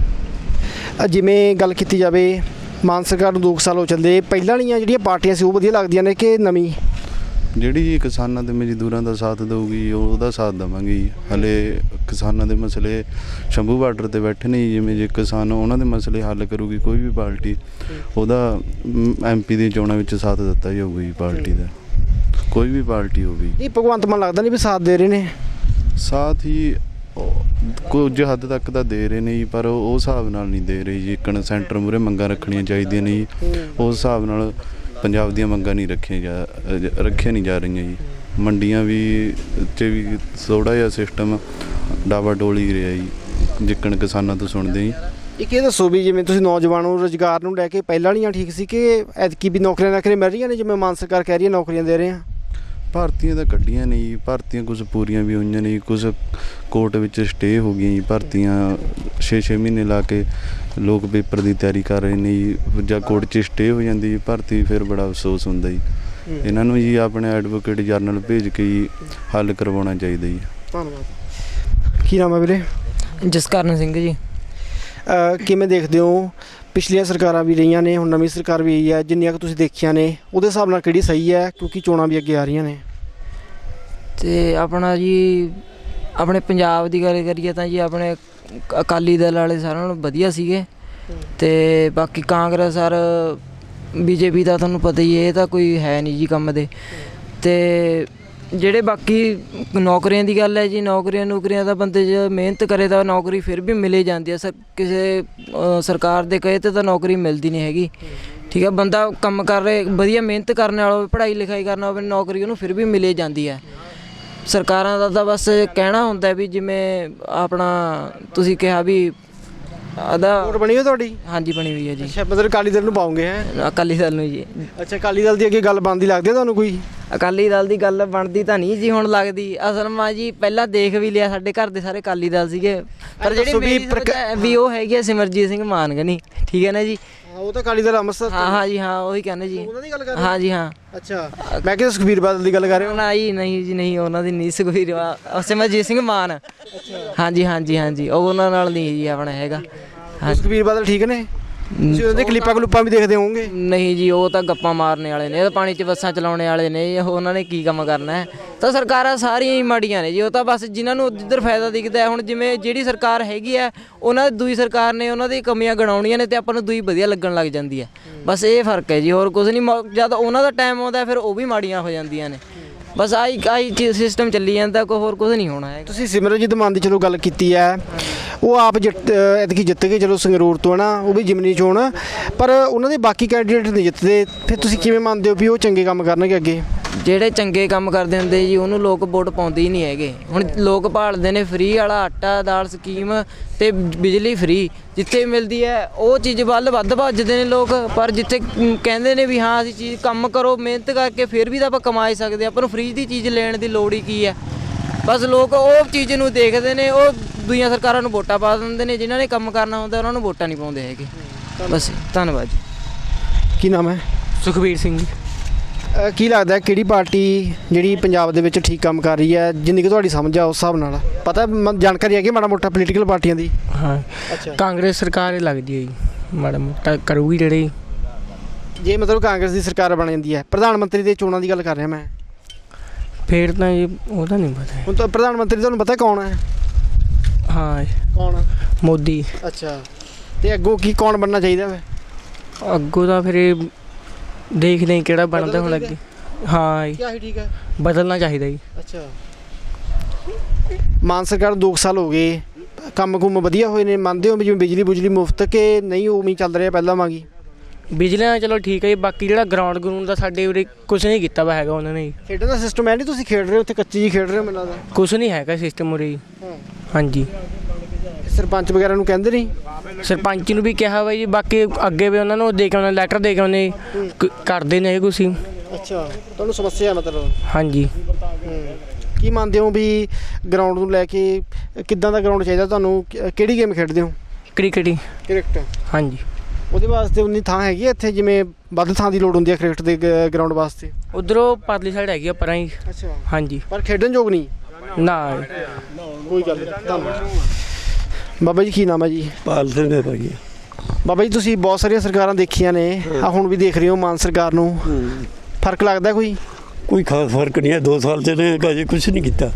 [SPEAKER 2] ਜਿਵੇਂ ਗੱਲ ਕੀਤੀ ਜਾਵੇ, ਮਾਨ ਸਰਕਾਰ ਨੂੰ 2 ਸਾਲ ਹੋ ਚੱਲੇ, ਪਹਿਲਾਂ ਵਾਲੀਆਂ ਜਿਹੜੀਆਂ ਪਾਰਟੀਆਂ ਸੀ ਉਹ ਵਧੀਆ ਲੱਗਦੀਆਂ ਨੇ ਕਿ ਨਵੀਂ?
[SPEAKER 6] ਜਿਹੜੀ ਜੀ ਕਿਸਾਨਾਂ ਤੇ ਮਜ਼ਦੂਰਾਂ ਦਾ ਸਾਥ ਦੇਊਗੀ ਉਹਦਾ ਸਾਥ ਦੇਵਾਂਗੇ ਜੀ। ਹਲੇ ਕਿਸਾਨਾਂ ਦੇ ਮਸਲੇ ਸ਼ੰਭੂ ਬਾਰਡਰ ਤੇ ਬੈਠੇ ਨੇ, ਜਿਵੇਂ ਜੇ ਕਿਸਾਨ ਉਹਨਾਂ ਦੇ ਮਸਲੇ ਹੱਲ ਕਰੂਗੀ ਕੋਈ ਵੀ ਪਾਰਟੀ, ਉਹਦਾ MP ਦੀ ਚੋਣਾਂ ਵਿੱਚ ਸਾਥ ਦਿੱਤਾ ਜਾਊਗਾ ਜੀ ਪਾਰਟੀ ਦਾ, ਕੋਈ ਵੀ ਪਾਰਟੀ ਹੋਵੇ।
[SPEAKER 2] ਨਹੀਂ, ਭਗਵੰਤ ਮਾਨ ਲੱਗਦਾ ਨਹੀਂ ਵੀ ਸਾਥ ਦੇ ਰਹੇ ਨੇ?
[SPEAKER 6] ਸਾਥ ਹੀ ਕੁਝ ਹੱਦ ਤੱਕ ਤਾਂ ਦੇ ਰਹੇ ਨੇ ਜੀ, ਪਰ ਉਹ ਹਿਸਾਬ ਨਾਲ ਨਹੀਂ ਦੇ ਰਹੇ ਜੀ। ਇੱਕ ਸੈਂਟਰ ਮੂਹਰੇ ਮੰਗਾਂ ਰੱਖਣੀਆਂ ਚਾਹੀਦੀਆਂ ਨੇ ਜੀ, ਉਸ ਹਿਸਾਬ ਨਾਲ ਪੰਜਾਬ ਦੀਆਂ ਮੰਗਾਂ ਨਹੀਂ ਰੱਖੀਆਂ ਨਹੀਂ ਜਾ ਰਹੀਆਂ ਜੀ। ਮੰਡੀਆਂ ਵੀ 'ਚ ਵੀ ਥੋੜ੍ਹਾ ਜਿਹਾ ਸਿਸਟਮ ਡਾਵਾ ਡੋਲੀ ਰਿਹਾ ਜੀ, ਜਿੱਕਣ ਕਿਸਾਨਾਂ ਤੋਂ ਸੁਣਦੇ ਜੀ।
[SPEAKER 2] ਇੱਕ ਇਹ ਦੱਸੋ ਵੀ ਜਿਵੇਂ ਤੁਸੀਂ ਨੌਜਵਾਨਾਂ ਨੂੰ ਰੁਜ਼ਗਾਰ ਨੂੰ ਲੈ ਕੇ ਪਹਿਲਾਂ ਵਾਲੀਆਂ ਠੀਕ ਸੀ ਕਿ ਐਤਕੀ ਵੀ ਨੌਕਰੀਆਂ ਮਿਲ ਰਹੀਆਂ ਨੇ, ਜਿਵੇਂ ਮਾਨ ਸਰਕਾਰ ਕਹਿ ਰਹੀ ਹੈ ਨੌਕਰੀਆਂ ਦੇ ਰਹੇ ਆ?
[SPEAKER 6] ਭਰਤੀਆਂ ਤਾਂ ਕੱਢੀਆਂ ਨੇ ਜੀ, ਭਰਤੀਆਂ ਕੁਝ ਪੂਰੀਆਂ ਵੀ ਹੋਈਆਂ ਨੇ, ਕੁਝ ਕੋਰਟ ਵਿੱਚ ਸਟੇ ਹੋ ਗਈਆਂ ਜੀ। ਭਰਤੀਆਂ 6-6 ਮਹੀਨੇ ਲਾ ਕੇ ਲੋਕ ਪੇਪਰ ਦੀ ਤਿਆਰੀ ਕਰ ਰਹੇ ਨੇ ਜੀ, ਜਾਂ ਕੋਰਟ 'ਚ ਸਟੇ ਹੋ ਜਾਂਦੀ ਜੀ ਭਰਤੀ, ਫਿਰ ਬੜਾ ਅਫਸੋਸ ਹੁੰਦਾ ਜੀ। ਇਹਨਾਂ ਨੂੰ ਜੀ ਆਪਣੇ ਐਡਵੋਕੇਟ ਜਨਰਲ ਭੇਜ ਕੇ ਜੀ ਹੱਲ ਕਰਵਾਉਣਾ ਚਾਹੀਦਾ ਜੀ।
[SPEAKER 2] ਧੰਨਵਾਦ। ਕੀ ਨਾਮ ਹੈ ਵੀਰੇ?
[SPEAKER 4] ਜਸਕਰਨ ਸਿੰਘ ਜੀ।
[SPEAKER 2] ਕਿਵੇਂ ਦੇਖਦੇ ਹੋ, ਪਿਛਲੀਆਂ ਸਰਕਾਰਾਂ ਵੀ ਰਹੀਆਂ ਨੇ, ਹੁਣ ਨਵੀਂ ਸਰਕਾਰ ਵੀ ਆਈ ਹੈ, ਜਿੰਨੀਆਂ ਕੁ ਤੁਸੀਂ ਦੇਖੀਆਂ ਨੇ ਉਹਦੇ ਹਿਸਾਬ ਨਾਲ ਕਿਹੜੀ ਸਹੀ ਹੈ, ਕਿਉਂਕਿ ਚੋਣਾਂ ਵੀ ਅੱਗੇ ਆ ਰਹੀਆਂ ਨੇ?
[SPEAKER 4] ਤੇ ਆਪਣਾ ਜੀ ਆਪਣੇ ਪੰਜਾਬ ਦੀ ਗੱਲ ਕਰੀਏ ਤਾਂ ਜੀ ਆਪਣੇ ਅਕਾਲੀ ਦਲ ਵਾਲੇ ਸਾਰਿਆਂ ਨਾਲੋਂ ਵਧੀਆ ਸੀਗੇ। ਤੇ ਬਾਕੀ ਕਾਂਗਰਸ ਔਰ BJP ਦਾ ਤੁਹਾਨੂੰ ਪਤਾ ਹੀ ਇਹ ਤਾਂ ਕੋਈ ਹੈ ਨਹੀਂ ਜੀ ਕੰਮ ਦੇ। ਤੇ ਜਿਹੜੇ ਬਾਕੀ ਨੌਕਰੀਆਂ ਦੀ ਗੱਲ ਹੈ ਜੀ, ਨੌਕਰੀਆਂ ਤਾਂ ਬੰਦੇ ਜੇ ਮਿਹਨਤ ਕਰੇ ਤਾਂ ਨੌਕਰੀ ਫਿਰ ਵੀ ਮਿਲੇ ਜਾਂਦੀ ਹੈ। ਕਿਸੇ ਸਰਕਾਰ ਦੇ ਕਹੇ 'ਤੇ ਤਾਂ ਨੌਕਰੀ ਮਿਲਦੀ ਨਹੀਂ ਹੈਗੀ। ਠੀਕ ਹੈ, ਬੰਦਾ ਕੰਮ ਕਰ ਰਿਹਾ ਵਧੀਆ ਮਿਹਨਤ ਕਰਨ ਵਾਲਾ ਹੋਵੇ, ਪੜ੍ਹਾਈ ਲਿਖਾਈ ਕਰਨਾ ਹੋਵੇ, ਨੌਕਰੀ ਉਹਨੂੰ ਫਿਰ ਵੀ ਮਿਲੇ ਜਾਂਦੀ ਹੈ। ਸਰਕਾਰਾਂ ਦਾ ਤਾਂ ਬਸ ਕਹਿਣਾ ਹੁੰਦਾ ਵੀ ਜਿਵੇਂ ਆਪਣਾ ਤੁਸੀਂ ਕਿਹਾ ਵੀ
[SPEAKER 2] ਵੋਟ ਬਣੀ ਹੋਈ ਤੁਹਾਡੀ?
[SPEAKER 4] ਹਾਂਜੀ ਬਣੀ ਹੋਈ ਹੈ ਜੀ।
[SPEAKER 2] ਅੱਛਾ, ਮਤਲਬ ਅਕਾਲੀ ਦਲ ਨੂੰ ਪਾਉਂਗੇ? ਹੈ
[SPEAKER 4] ਅਕਾਲੀ ਦਲ ਨੂੰ ਜੀ।
[SPEAKER 2] ਅੱਛਾ, ਅਕਾਲੀ ਦਲ ਦੀ ਅੱਗੇ ਗੱਲ ਬਣਦੀ ਲੱਗਦੀ ਹੈ ਤੁਹਾਨੂੰ ਕੋਈ?
[SPEAKER 4] ਅਕਾਲੀ ਦਲ ਦੀ ਗੱਲ ਬਣਦੀ ਤਾਂ ਨਹੀਂ ਜੀ ਹੁਣ ਲੱਗਦੀ। ਅਸਲ ਮਾ ਜੀ ਪਹਿਲਾਂ ਦੇਖ ਵੀ ਲਿਆ, ਸਾਡੇ ਘਰ ਦੇ ਸਾਰੇ ਅਕਾਲੀ ਦਲ ਸੀਗੇ, ਪਰ ਜਿਹੜੀ ਵੀ ਉਹ ਹੈਗੀ ਸਿਮਰਜੀਤ ਸਿੰਘ ਮਾਨਗਨੀ, ਠੀਕ ਹੈ ਨਾ ਜੀ।
[SPEAKER 2] ਉਹ ਤਾਂ ਅਕਾਲੀ ਦਲ ਅੰਮ੍ਰਿਤਸਰ।
[SPEAKER 4] ਹਾਂ ਜੀ ਹਾਂ, ਉਹੀ ਕਹਿੰਦੇ ਜੀ।
[SPEAKER 2] ਉਹਨਾਂ ਦੀ ਗੱਲ ਕਰ ਰਹੇ?
[SPEAKER 4] ਹਾਂ ਜੀ ਹਾਂ।
[SPEAKER 2] ਅੱਛਾ, ਮੈਂ ਕਿਹਾ ਸੁਖਬੀਰ ਬਾਦਲ ਦੀ ਗੱਲ ਕਰ ਰਹੇ ਹੋ?
[SPEAKER 4] ਨਹੀਂ ਜੀ ਨਹੀਂ, ਉਹਨਾਂ ਦੀ ਨਹੀਂ। ਸੁਖਬੀਰ ਸਿਮਰਜੀਤ ਸਿੰਘ ਮਾਨ। ਹਾਂਜੀ ਹਾਂਜੀ ਹਾਂਜੀ, ਉਹ ਉਹਨਾਂ ਨਾਲ ਨਹੀਂ ਜੀ ਆਪਣਾ ਹੈਗਾ।
[SPEAKER 2] ਸੁਖਬੀਰ ਬਾਦਲ ਠੀਕ ਨੇ? ਤੁਸੀਂ ਉਹਦੇ ਕਲਿੱਪਾਂ ਵੀ ਦੇਖਦੇ ਹੋਵੋਗੇ?
[SPEAKER 4] ਨਹੀਂ ਜੀ, ਉਹ ਤਾਂ ਗੱਪਾਂ ਮਾਰਨੇ ਵਾਲੇ ਨੇ, ਇਹ ਤਾਂ ਪਾਣੀ 'ਚ ਬੱਸਾਂ ਚਲਾਉਣੇ ਵਾਲੇ ਨੇ। ਉਹਨਾਂ ਨੇ ਕੀ ਕੰਮ ਕਰਨਾ ਹੈ? ਤਾਂ ਸਰਕਾਰਾਂ ਸਾਰੀਆਂ ਹੀ ਮਾੜੀਆਂ ਨੇ ਜੀ। ਉਹ ਤਾਂ ਬਸ ਜਿਨ੍ਹਾਂ ਨੂੰ ਜਿੱਧਰ ਫਾਇਦਾ ਦਿਖਦਾ। ਹੁਣ ਜਿਵੇਂ ਜਿਹੜੀ ਸਰਕਾਰ ਹੈਗੀ ਹੈ, ਉਹਨਾਂ ਦੂਜੀ ਸਰਕਾਰ ਨੇ ਉਹਨਾਂ ਦੀ ਕਮੀਆਂ ਗਿਣਾਉਣੀਆਂ ਨੇ ਤੇ ਆਪਾਂ ਨੂੰ ਦੂਈ ਵਧੀਆ ਲੱਗਣ ਲੱਗ ਜਾਂਦੀ ਹੈ। ਬਸ ਇਹ ਫਰਕ ਹੈ ਜੀ, ਹੋਰ ਕੁਝ ਨਹੀਂ। ਜਦ ਉਹਨਾਂ ਦਾ ਟਾਈਮ ਆਉਂਦਾ ਫਿਰ ਉਹ ਵੀ ਮਾੜੀਆਂ ਹੋ ਜਾਂਦੀਆਂ ਨੇ। ਬਸ ਆਹੀ ਚੀਜ਼ ਸਿਸਟਮ ਚੱਲੀ ਜਾਂਦਾ, ਕੋਈ ਹੋਰ ਕੁਝ ਨਹੀਂ ਹੋਣਾ ਹੈ।
[SPEAKER 2] ਤੁਸੀਂ ਸਿਮਰਨਜੀਤ ਮਾਨ ਦੀ ਚਲੋ ਗੱਲ ਕੀਤੀ ਹੈ, ਉਹ ਆਪ ਐਤਕੀ ਜਿੱਤ ਗਏ ਚਲੋ ਸੰਗਰੂਰ ਤੋਂ, ਹੈ ਨਾ, ਉਹ ਵੀ ਜਿਮਨੀ ਚੋਣ, ਪਰ ਉਹਨਾਂ ਦੇ ਬਾਕੀ ਕੈਂਡੀਡੇਟ ਨਹੀਂ ਜਿੱਤਦੇ। ਫਿਰ ਤੁਸੀਂ ਕਿਵੇਂ ਮੰਨਦੇ ਹੋ ਵੀ ਉਹ ਚੰਗੇ ਕੰਮ ਕਰਨਗੇ ਅੱਗੇ?
[SPEAKER 4] ਜਿਹੜੇ ਚੰਗੇ ਕੰਮ ਕਰਦੇ ਹੁੰਦੇ ਜੀ ਉਹਨੂੰ ਲੋਕ ਵੋਟ ਪਾਉਂਦੇ ਹੀ ਨਹੀਂ ਹੈਗੇ। ਹੁਣ ਲੋਕ ਭਾਲਦੇ ਨੇ ਫ੍ਰੀ ਵਾਲਾ ਆਟਾ ਦਾਲ ਸਕੀਮ ਤੇ ਬਿਜਲੀ ਫ੍ਰੀ, ਜਿੱਥੇ ਮਿਲਦੀ ਹੈ ਉਹ ਚੀਜ਼ ਵੱਲ ਵੱਧ ਭੱਜਦੇ ਨੇ ਲੋਕ। ਪਰ ਜਿੱਥੇ ਕਹਿੰਦੇ ਨੇ ਵੀ ਹਾਂ ਅਸੀਂ ਚੀਜ਼ ਕੰਮ ਕਰੋ ਮਿਹਨਤ ਕਰਕੇ ਫਿਰ ਵੀ ਤਾਂ ਆਪਾਂ ਕਮਾ ਹੀ ਸਕਦੇ, ਆਪਾਂ ਨੂੰ ਫ੍ਰੀ ਦੀ ਚੀਜ਼ ਲੈਣ ਦੀ ਲੋੜ ਹੀ ਕੀ ਹੈ। ਬਸ ਲੋਕ ਉਹ ਚੀਜ਼ ਨੂੰ ਦੇਖਦੇ ਨੇ, ਉਹ ਦੂਜੀਆਂ ਸਰਕਾਰਾਂ ਨੂੰ ਵੋਟਾਂ ਪਾ ਦਿੰਦੇ ਨੇ, ਜਿਨ੍ਹਾਂ ਨੇ ਕੰਮ ਕਰਨਾ ਹੁੰਦਾ ਉਹਨਾਂ ਨੂੰ ਵੋਟਾਂ ਨਹੀਂ ਪਾਉਂਦੇ ਹੈਗੇ। ਬਸ ਧੰਨਵਾਦ ਜੀ।
[SPEAKER 2] ਕੀ ਨਾਮ ਹੈ?
[SPEAKER 9] ਸੁਖਬੀਰ ਸਿੰਘ ਜੀ।
[SPEAKER 2] ਕੀ ਲੱਗਦਾ ਕਿਹੜੀ ਪਾਰਟੀ ਜਿਹੜੀ ਪੰਜਾਬ ਦੇ ਵਿੱਚ ਠੀਕ ਕੰਮ ਕਰ ਰਹੀ ਹੈ, ਜਿੰਨੀ ਕਿ ਤੁਹਾਡੀ ਸਮਝ ਆ ਉਸ ਹਿਸਾਬ ਨਾਲ? ਪਤਾ ਜਾਣਕਾਰੀ ਹੈਗੀ ਮਾੜਾ ਮੋਟਾ ਪੋਲੀਟੀਕਲ ਪਾਰਟੀਆਂ ਦੀ?
[SPEAKER 9] ਹਾਂ,
[SPEAKER 2] ਅੱਛਾ,
[SPEAKER 9] ਕਾਂਗਰਸ ਸਰਕਾਰ ਲੱਗਦੀ ਹੈ ਜੀ, ਮਾੜਾ ਮੋਟਾ ਕਰੂਗੀ ਜਿਹੜੀ।
[SPEAKER 2] ਜੇ ਮਤਲਬ ਕਾਂਗਰਸ ਦੀ ਸਰਕਾਰ ਬਣ ਜਾਂਦੀ ਹੈ, ਪ੍ਰਧਾਨ ਮੰਤਰੀ ਦੇ ਚੋਣਾਂ ਦੀ ਗੱਲ ਕਰ ਰਿਹਾ ਮੈਂ,
[SPEAKER 9] ਫਿਰ ਤਾਂ ਜੀ ਉਹਦਾ ਨਹੀਂ ਪਤਾ।
[SPEAKER 2] ਹੁਣ ਤਾਂ ਪ੍ਰਧਾਨ ਮੰਤਰੀ ਤੁਹਾਨੂੰ ਪਤਾ ਕੌਣ ਹੈ?
[SPEAKER 9] ਹਾਂ,
[SPEAKER 2] ਕੌਣ?
[SPEAKER 9] ਮੋਦੀ।
[SPEAKER 2] ਅੱਛਾ, ਤੇ ਅੱਗੋਂ ਕੀ ਕੌਣ ਬਣਨਾ ਚਾਹੀਦਾ ਵਾ?
[SPEAKER 9] ਅੱਗੋਂ ਤਾਂ ਫਿਰ ਇਹ ਦੇਖਦੇ ਕਿਹੜਾ ਬਣਦਾ ਹੁਣ ਅੱਗੇ। ਹਾਂ ਜੀ,
[SPEAKER 2] ਕਿਆ ਠੀਕ ਹੈ,
[SPEAKER 9] ਬਦਲਣਾ ਚਾਹੀਦਾ ਜੀ।
[SPEAKER 2] ਅੱਛਾ, ਮਾਨ ਸਰਕਾਰ 2 ਸਾਲ ਹੋ ਗਏ, ਕੰਮ ਕੁੰਮ ਵਧੀਆ ਹੋਏ ਨੇ? ਮੰਨਦੇ ਹੋ ਵੀ ਜਿਵੇਂ ਬਿਜਲੀ ਬੁਜਲੀ ਮੁਫਤ ਕਿ ਨਹੀਂ ਉਵੇਂ ਚੱਲ ਰਿਹਾ ਪਹਿਲਾਂ ਵਾਂਗੀ?
[SPEAKER 9] ਬਿਜਲੀ ਨਾਲ ਚਲੋ ਠੀਕ ਹੈ ਜੀ, ਬਾਕੀ ਜਿਹੜਾ ਗਰਾਊਂਡ ਗਰਾਊਂਡ ਦਾ ਸਾਡੇ ਉਰੇ ਕੁਝ ਨਹੀਂ ਕੀਤਾ ਵਾ ਹੈਗਾ ਉਹਨਾਂ ਨੇ ਜੀ।
[SPEAKER 2] ਖੇਡਣ ਦਾ ਸਿਸਟਮ ਹੈ ਨਹੀਂ, ਤੁਸੀਂ ਖੇਡ ਰਹੇ ਹੋ ਉੱਥੇ ਕੱਚੀ ਜੀ ਖੇਡ ਰਹੇ ਹੋ ਮੈਨੂੰ ਲੱਗਦਾ।
[SPEAKER 9] ਕੁਝ ਨਹੀਂ ਹੈਗਾ ਸਿਸਟਮ ਉਰੇ ਜੀ। ਹਾਂਜੀ
[SPEAKER 2] ਸਰਪੰਚ ਵਗੈਰਾ ਨੂੰ ਕਹਿੰਦੇ ਨਹੀਂ?
[SPEAKER 9] ਸਰਪੰਚ ਨੂੰ ਵੀ ਕਿਹਾ ਵਾ ਜੀ, ਬਾਕੀ ਅੱਗੇ ਵੀ ਉਹਨਾਂ ਨੂੰ ਦੇ ਕੇ ਆਉਣਾ, ਲੈਟਰ ਦੇ ਕੇ ਆਉਣੇ, ਕਰਦੇ ਨੇ ਕੁਛ ਹੀ।
[SPEAKER 2] ਅੱਛਾ, ਤੁਹਾਨੂੰ ਸਮੱਸਿਆ ਮਤਲਬ?
[SPEAKER 9] ਹਾਂਜੀ।
[SPEAKER 2] ਕੀ ਮੰਨਦੇ ਹੋ ਵੀ ਗਰਾਊਂਡ ਨੂੰ ਲੈ ਕੇ ਕਿੱਦਾਂ ਦਾ ਗਰਾਊਂਡ ਚਾਹੀਦਾ ਤੁਹਾਨੂੰ? ਕਿਹੜੀ ਗੇਮ ਖੇਡਦੇ ਹੋ?
[SPEAKER 9] ਕ੍ਰਿਕਟ ਹੀ।
[SPEAKER 2] ਕ੍ਰਿਕਟ?
[SPEAKER 9] ਹਾਂਜੀ।
[SPEAKER 2] ਉਹਦੇ ਵਾਸਤੇ ਉਨੀ ਥਾਂ ਹੈਗੀ ਇੱਥੇ, ਜਿਵੇਂ ਵੱਧ ਥਾਂ ਦੀ ਲੋੜ ਹੁੰਦੀ ਹੈ ਕ੍ਰਿਕਟ ਦੇ ਗਰਾਊਂਡ ਵਾਸਤੇ?
[SPEAKER 9] ਉਧਰੋਂ ਪਰਲੀ ਸਾਈਡ ਹੈਗੀ ਆ ਪਰਾਂ ਹੀ।
[SPEAKER 2] ਅੱਛਾ।
[SPEAKER 9] ਹਾਂਜੀ।
[SPEAKER 2] ਪਰ ਖੇਡਣ ਯੋਗ ਨਹੀਂ?
[SPEAKER 9] ਨਾ
[SPEAKER 2] ਕੋਈ ਗੱਲ ਨਹੀਂ। ਧੰਨਵਾਦ। ਬਾਬਾ ਜੀ ਕੀ ਨਾਮ ਹੈ ਜੀ?
[SPEAKER 3] ਪਾਲ ਸਿੰਘ ਹੈ ਭਾਈ।
[SPEAKER 2] ਬਾਬਾ ਜੀ ਤੁਸੀਂ ਬਹੁਤ ਸਾਰੀਆਂ ਸਰਕਾਰਾਂ ਦੇਖੀਆਂ ਨੇ, ਆ ਹੁਣ ਵੀ ਦੇਖ ਰਹੇ ਹੋ ਮਾਨ ਸਰਕਾਰ ਨੂੰ, ਫਰਕ ਲੱਗਦਾ ਕੋਈ?
[SPEAKER 3] ਕੋਈ ਖਾਸ ਫਰਕ ਨਹੀਂ ਹੈ, 2 ਸਾਲ ਚ ਨੇ ਅਜੇ ਕੁਝ ਨਹੀਂ ਕੀਤਾ।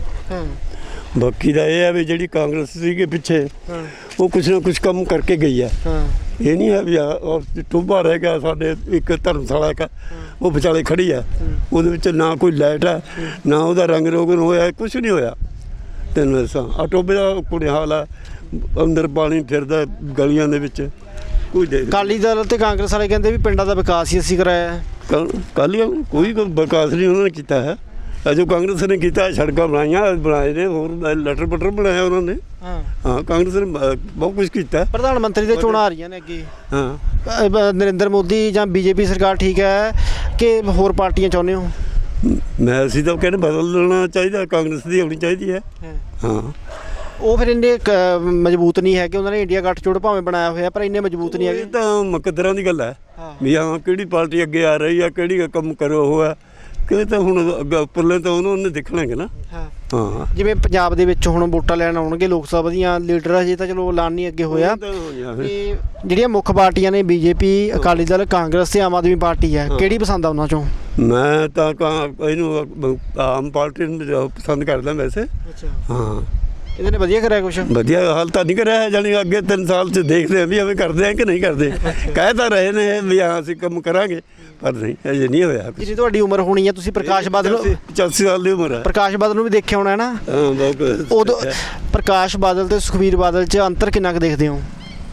[SPEAKER 3] ਬਾਕੀ ਦਾ ਇਹ ਹੈ ਵੀ ਜਿਹੜੀ ਕਾਂਗਰਸ ਸੀਗੇ ਪਿੱਛੇ, ਉਹ ਕੁਛ ਨਾ ਕੁਛ ਕੰਮ ਕਰਕੇ ਗਈ ਹੈ। ਇਹ ਨਹੀਂ ਹੈ ਵੀ ਟੋਭਾ ਰਹਿ ਗਿਆ ਸਾਡੇ, ਇੱਕ ਧਰਮਸ਼ਾਲਾ ਇੱਕ ਉਹ ਵਿਚਾਲੇ ਖੜੀ ਹੈ, ਉਹਦੇ ਵਿੱਚ ਨਾ ਕੋਈ ਲਾਈਟ ਹੈ, ਨਾ ਉਹਦਾ ਰੰਗ ਰੋਗਨ ਹੋਇਆ, ਕੁਛ ਨਹੀਂ ਹੋਇਆ। ਤੈਨੂੰ ਦੱਸਾਂ ਆ ਟੋਭੇ ਦਾ ਕੁੜੇ ਹਾਲ ਹੈ, ਅੰਦਰ ਪਾਣੀ ਫਿਰਦਾ ਗਲੀਆਂ ਦੇ ਵਿੱਚ। ਕੋਈ ਦੇ
[SPEAKER 2] ਅਕਾਲੀ ਦਲ ਤੇ ਕਾਂਗਰਸ ਵਾਲੇ ਕਹਿੰਦੇ ਵੀ ਪਿੰਡਾਂ ਦਾ ਵਿਕਾਸ ਹੀ ਅਸੀਂ ਕਰਾਇਆ ਹੈ।
[SPEAKER 3] ਕਾਲੀਆਂ ਕੋਈ ਵਿਕਾਸ ਨਹੀਂ ਉਹਨਾਂ ਨੇ ਕੀਤਾ ਹੈ। ਜੋ ਕਾਂਗਰਸ ਨੇ ਕੀਤਾ, ਸੜਕਾਂ ਬਣਾਏ ਨੇ, ਹੋਰ ਲਟਰ ਪਟਰ ਬਣਾਇਆ ਉਹਨਾਂ ਨੇ। ਹਾਂ, ਕਾਂਗਰਸ ਨੇ ਬਹੁਤ ਕੁਝ ਕੀਤਾ।
[SPEAKER 2] ਪ੍ਰਧਾਨ ਮੰਤਰੀ ਦੇ ਚੋਣਾਂ ਆ ਰਹੀਆਂ ਨੇ ਅੱਗੇ।
[SPEAKER 3] ਹਾਂ,
[SPEAKER 2] ਨਰਿੰਦਰ ਮੋਦੀ ਜਾਂ ਬੀਜੇਪੀ ਸਰਕਾਰ ਠੀਕ ਹੈ ਕਿ ਹੋਰ ਪਾਰਟੀਆਂ ਚਾਹੁੰਦੇ ਹੋ?
[SPEAKER 3] ਅਸੀਂ ਤਾਂ ਕਹਿੰਦੇ ਬਦਲ ਦੇਣਾ ਚਾਹੀਦਾ, ਕਾਂਗਰਸ ਦੀ ਹੋਣੀ ਚਾਹੀਦੀ ਹੈ। ਹਾਂ,
[SPEAKER 2] ਉਹ ਫਿਰ ਇੰਨੇ ਮਜ਼ਬੂਤ ਨਹੀਂ ਹੈ ਕਿ ਉਹਨਾਂ ਨੇ ਇੰਡੀਆ ਗੱਠਜੋੜ ਭਾਵੇਂ ਬਣਾਇਆ ਹੋਇਆ, ਪਰ ਇੰਨੇ ਮਜ਼ਬੂਤ ਨਹੀਂ ਹੈਗੇ।
[SPEAKER 3] ਇਹ ਤਾਂ ਮੁਕੱਦਰਾਂ ਦੀ ਗੱਲ ਹੈ ਵੀ ਹਾਂ ਕਿਹੜੀ ਪਾਰਟੀ ਅੱਗੇ ਆ ਰਹੀ ਆ, ਕਿਹੜੀ ਕੰਮ ਕਰੋ ਹੋਇਆ ਕਿ ਤਾਂ ਹੁਣ ਅੱਗੇ ਉੱਪਰਲੇ ਤਾਂ ਉਹਨੂੰ ਦੇਖਣਗੇ ਨਾ। ਹਾਂ,
[SPEAKER 2] ਜਿਵੇਂ ਪੰਜਾਬ ਦੇ ਵਿੱਚ ਹੁਣ ਵੋਟਾਂ ਲੈਣ ਆਉਣਗੇ ਲੋਕ ਸਭਾ ਦੀਆਂ ਲੀਡਰ, ਅਜੇ ਤਾਂ ਚਲੋ ਐਲਾਨ ਨਹੀਂ ਅੱਗੇ ਹੋਇਆ। ਤੇ ਜਿਹੜੀਆਂ ਮੁੱਖ ਪਾਰਟੀਆਂ ਨੇ ਬੀਜੇਪੀ, ਅਕਾਲੀ ਦਲ, ਕਾਂਗਰਸ ਤੇ ਆਮ ਆਦਮੀ ਪਾਰਟੀ ਹੈ, ਕਿਹੜੀ ਪਸੰਦ ਆ ਉਹਨਾਂ ਚੋਂ?
[SPEAKER 3] ਮੈਂ ਤਾਂ ਇਹਨੂੰ ਆਮ ਪਾਰਟੀ ਨੂੰ ਪਸੰਦ ਕਰਦਾ ਵੈਸੇ। ਹਾਂ,
[SPEAKER 2] ਇਹਦੇ ਨੇ ਵਧੀਆ ਕਰਿਆ ਕੁਛ?
[SPEAKER 3] ਵਧੀਆ ਹਾਲ ਤਾਂ ਨਹੀਂ ਕਰਿਆ, ਜਾਣੀ ਅੱਗੇ 3 ਸਾਲ 'ਚ ਦੇਖਦੇ ਆ ਵੀ ਐਵੇਂ ਕਰਦੇ ਆ ਕਿ ਨਹੀਂ ਕਰਦੇ। ਕਹਿ ਤਾਂ ਰਹੇ ਨੇ ਵੀ ਹਾਂ ਅਸੀਂ ਕੰਮ ਕਰਾਂਗੇ, ਪਰ ਨਹੀਂ ਅਜੇ ਨਹੀਂ ਹੋਇਆ।
[SPEAKER 2] ਜਿੰਨੀ ਤੁਹਾਡੀ ਉਮਰ ਹੋਣੀ ਹੈ, ਤੁਸੀਂ ਪ੍ਰਕਾਸ਼ ਬਾਦਲ
[SPEAKER 3] 85 ਸਾਲ ਦੀ ਉਮਰ ਹੈ।
[SPEAKER 2] ਪ੍ਰਕਾਸ਼ ਬਾਦਲ ਨੂੰ ਵੀ ਦੇਖਿਆ ਹੋਣਾ ਹੈ ਨਾ?
[SPEAKER 3] ਹਾਂ, ਬਹੁਤ।
[SPEAKER 2] ਉਦੋਂ ਪ੍ਰਕਾਸ਼ ਬਾਦਲ ਤੇ ਸੁਖਬੀਰ ਬਾਦਲ 'ਚ ਅੰਤਰ ਕਿੰਨਾ ਕੁ ਦੇਖਦੇ ਹੋ?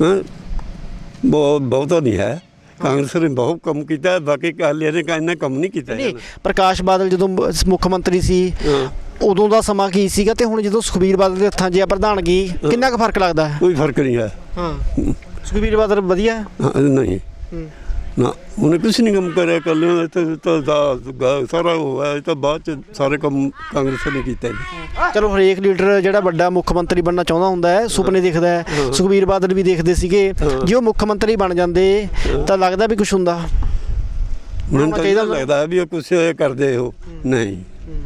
[SPEAKER 3] ਬਹੁਤਾ ਨਹੀਂ ਹੈ। ਕਾਂਗਰਸ ਨੇ ਬਹੁਤ ਕੰਮ ਕੀਤਾ, ਬਾਕੀ ਅਕਾਲੀਆਂ ਨੇ ਇੰਨਾ ਕੰਮ ਨਹੀਂ ਕੀਤਾ।
[SPEAKER 2] ਨਹੀਂ, ਪ੍ਰਕਾਸ਼ ਬਾਦਲ ਜਦੋਂ ਮੁੱਖ ਮੰਤਰੀ ਸੀ ਉਦੋਂ ਦਾ ਸਮਾਂ ਕੀ ਸੀਗਾ, ਤੇ ਹੁਣ ਜਦੋਂ ਸੁਖਬੀਰ ਬਾਦਲ ਦੇ ਹੱਥਾਂ 'ਚ ਆ ਪ੍ਰਧਾਨਗੀ, ਕਿੰਨਾ ਕੁ ਫਰਕ ਲੱਗਦਾ ਹੈ?
[SPEAKER 3] ਕੋਈ ਫਰਕ ਨਹੀਂ ਹੈ।
[SPEAKER 2] ਹਾਂ, ਸੁਖਬੀਰ ਬਾਦਲ ਵਧੀਆ?
[SPEAKER 3] ਨਹੀਂ ਨਾ, ਉਹਨੇ ਕੁਛ ਨਹੀਂ ਕੰਮ ਕਰਿਆ। ਕੱਲਿਆਂ ਤਾਂ ਸਾਰਾ ਉਹ ਹੈ, ਤਾਂ ਬਾਅਦ 'ਚ ਸਾਰੇ ਕੰਮ ਕਾਂਗਰਸ ਨੇ ਕੀਤਾ ਜੀ।
[SPEAKER 2] ਚਲੋ ਹਰੇਕ ਲੀਡਰ ਜਿਹੜਾ ਵੱਡਾ ਮੁੱਖ ਮੰਤਰੀ ਬਣਨਾ ਚਾਹੁੰਦਾ ਹੁੰਦਾ ਹੈ, ਸੁਪਨੇ ਦੇਖਦਾ ਹੈ। ਸੁਖਬੀਰ ਬਾਦਲ ਵੀ ਦੇਖਦੇ ਸੀਗੇ, ਜੇ ਉਹ ਮੁੱਖ ਮੰਤਰੀ ਬਣ ਜਾਂਦੇ ਤਾਂ ਲੱਗਦਾ ਵੀ ਕੁਛ ਹੁੰਦਾ?
[SPEAKER 3] ਮੈਨੂੰ ਤਾਂ ਲੱਗਦਾ ਵੀ ਉਹ ਕੁਛ ਕਰਦੇ ਹੋ ਨਹੀਂ,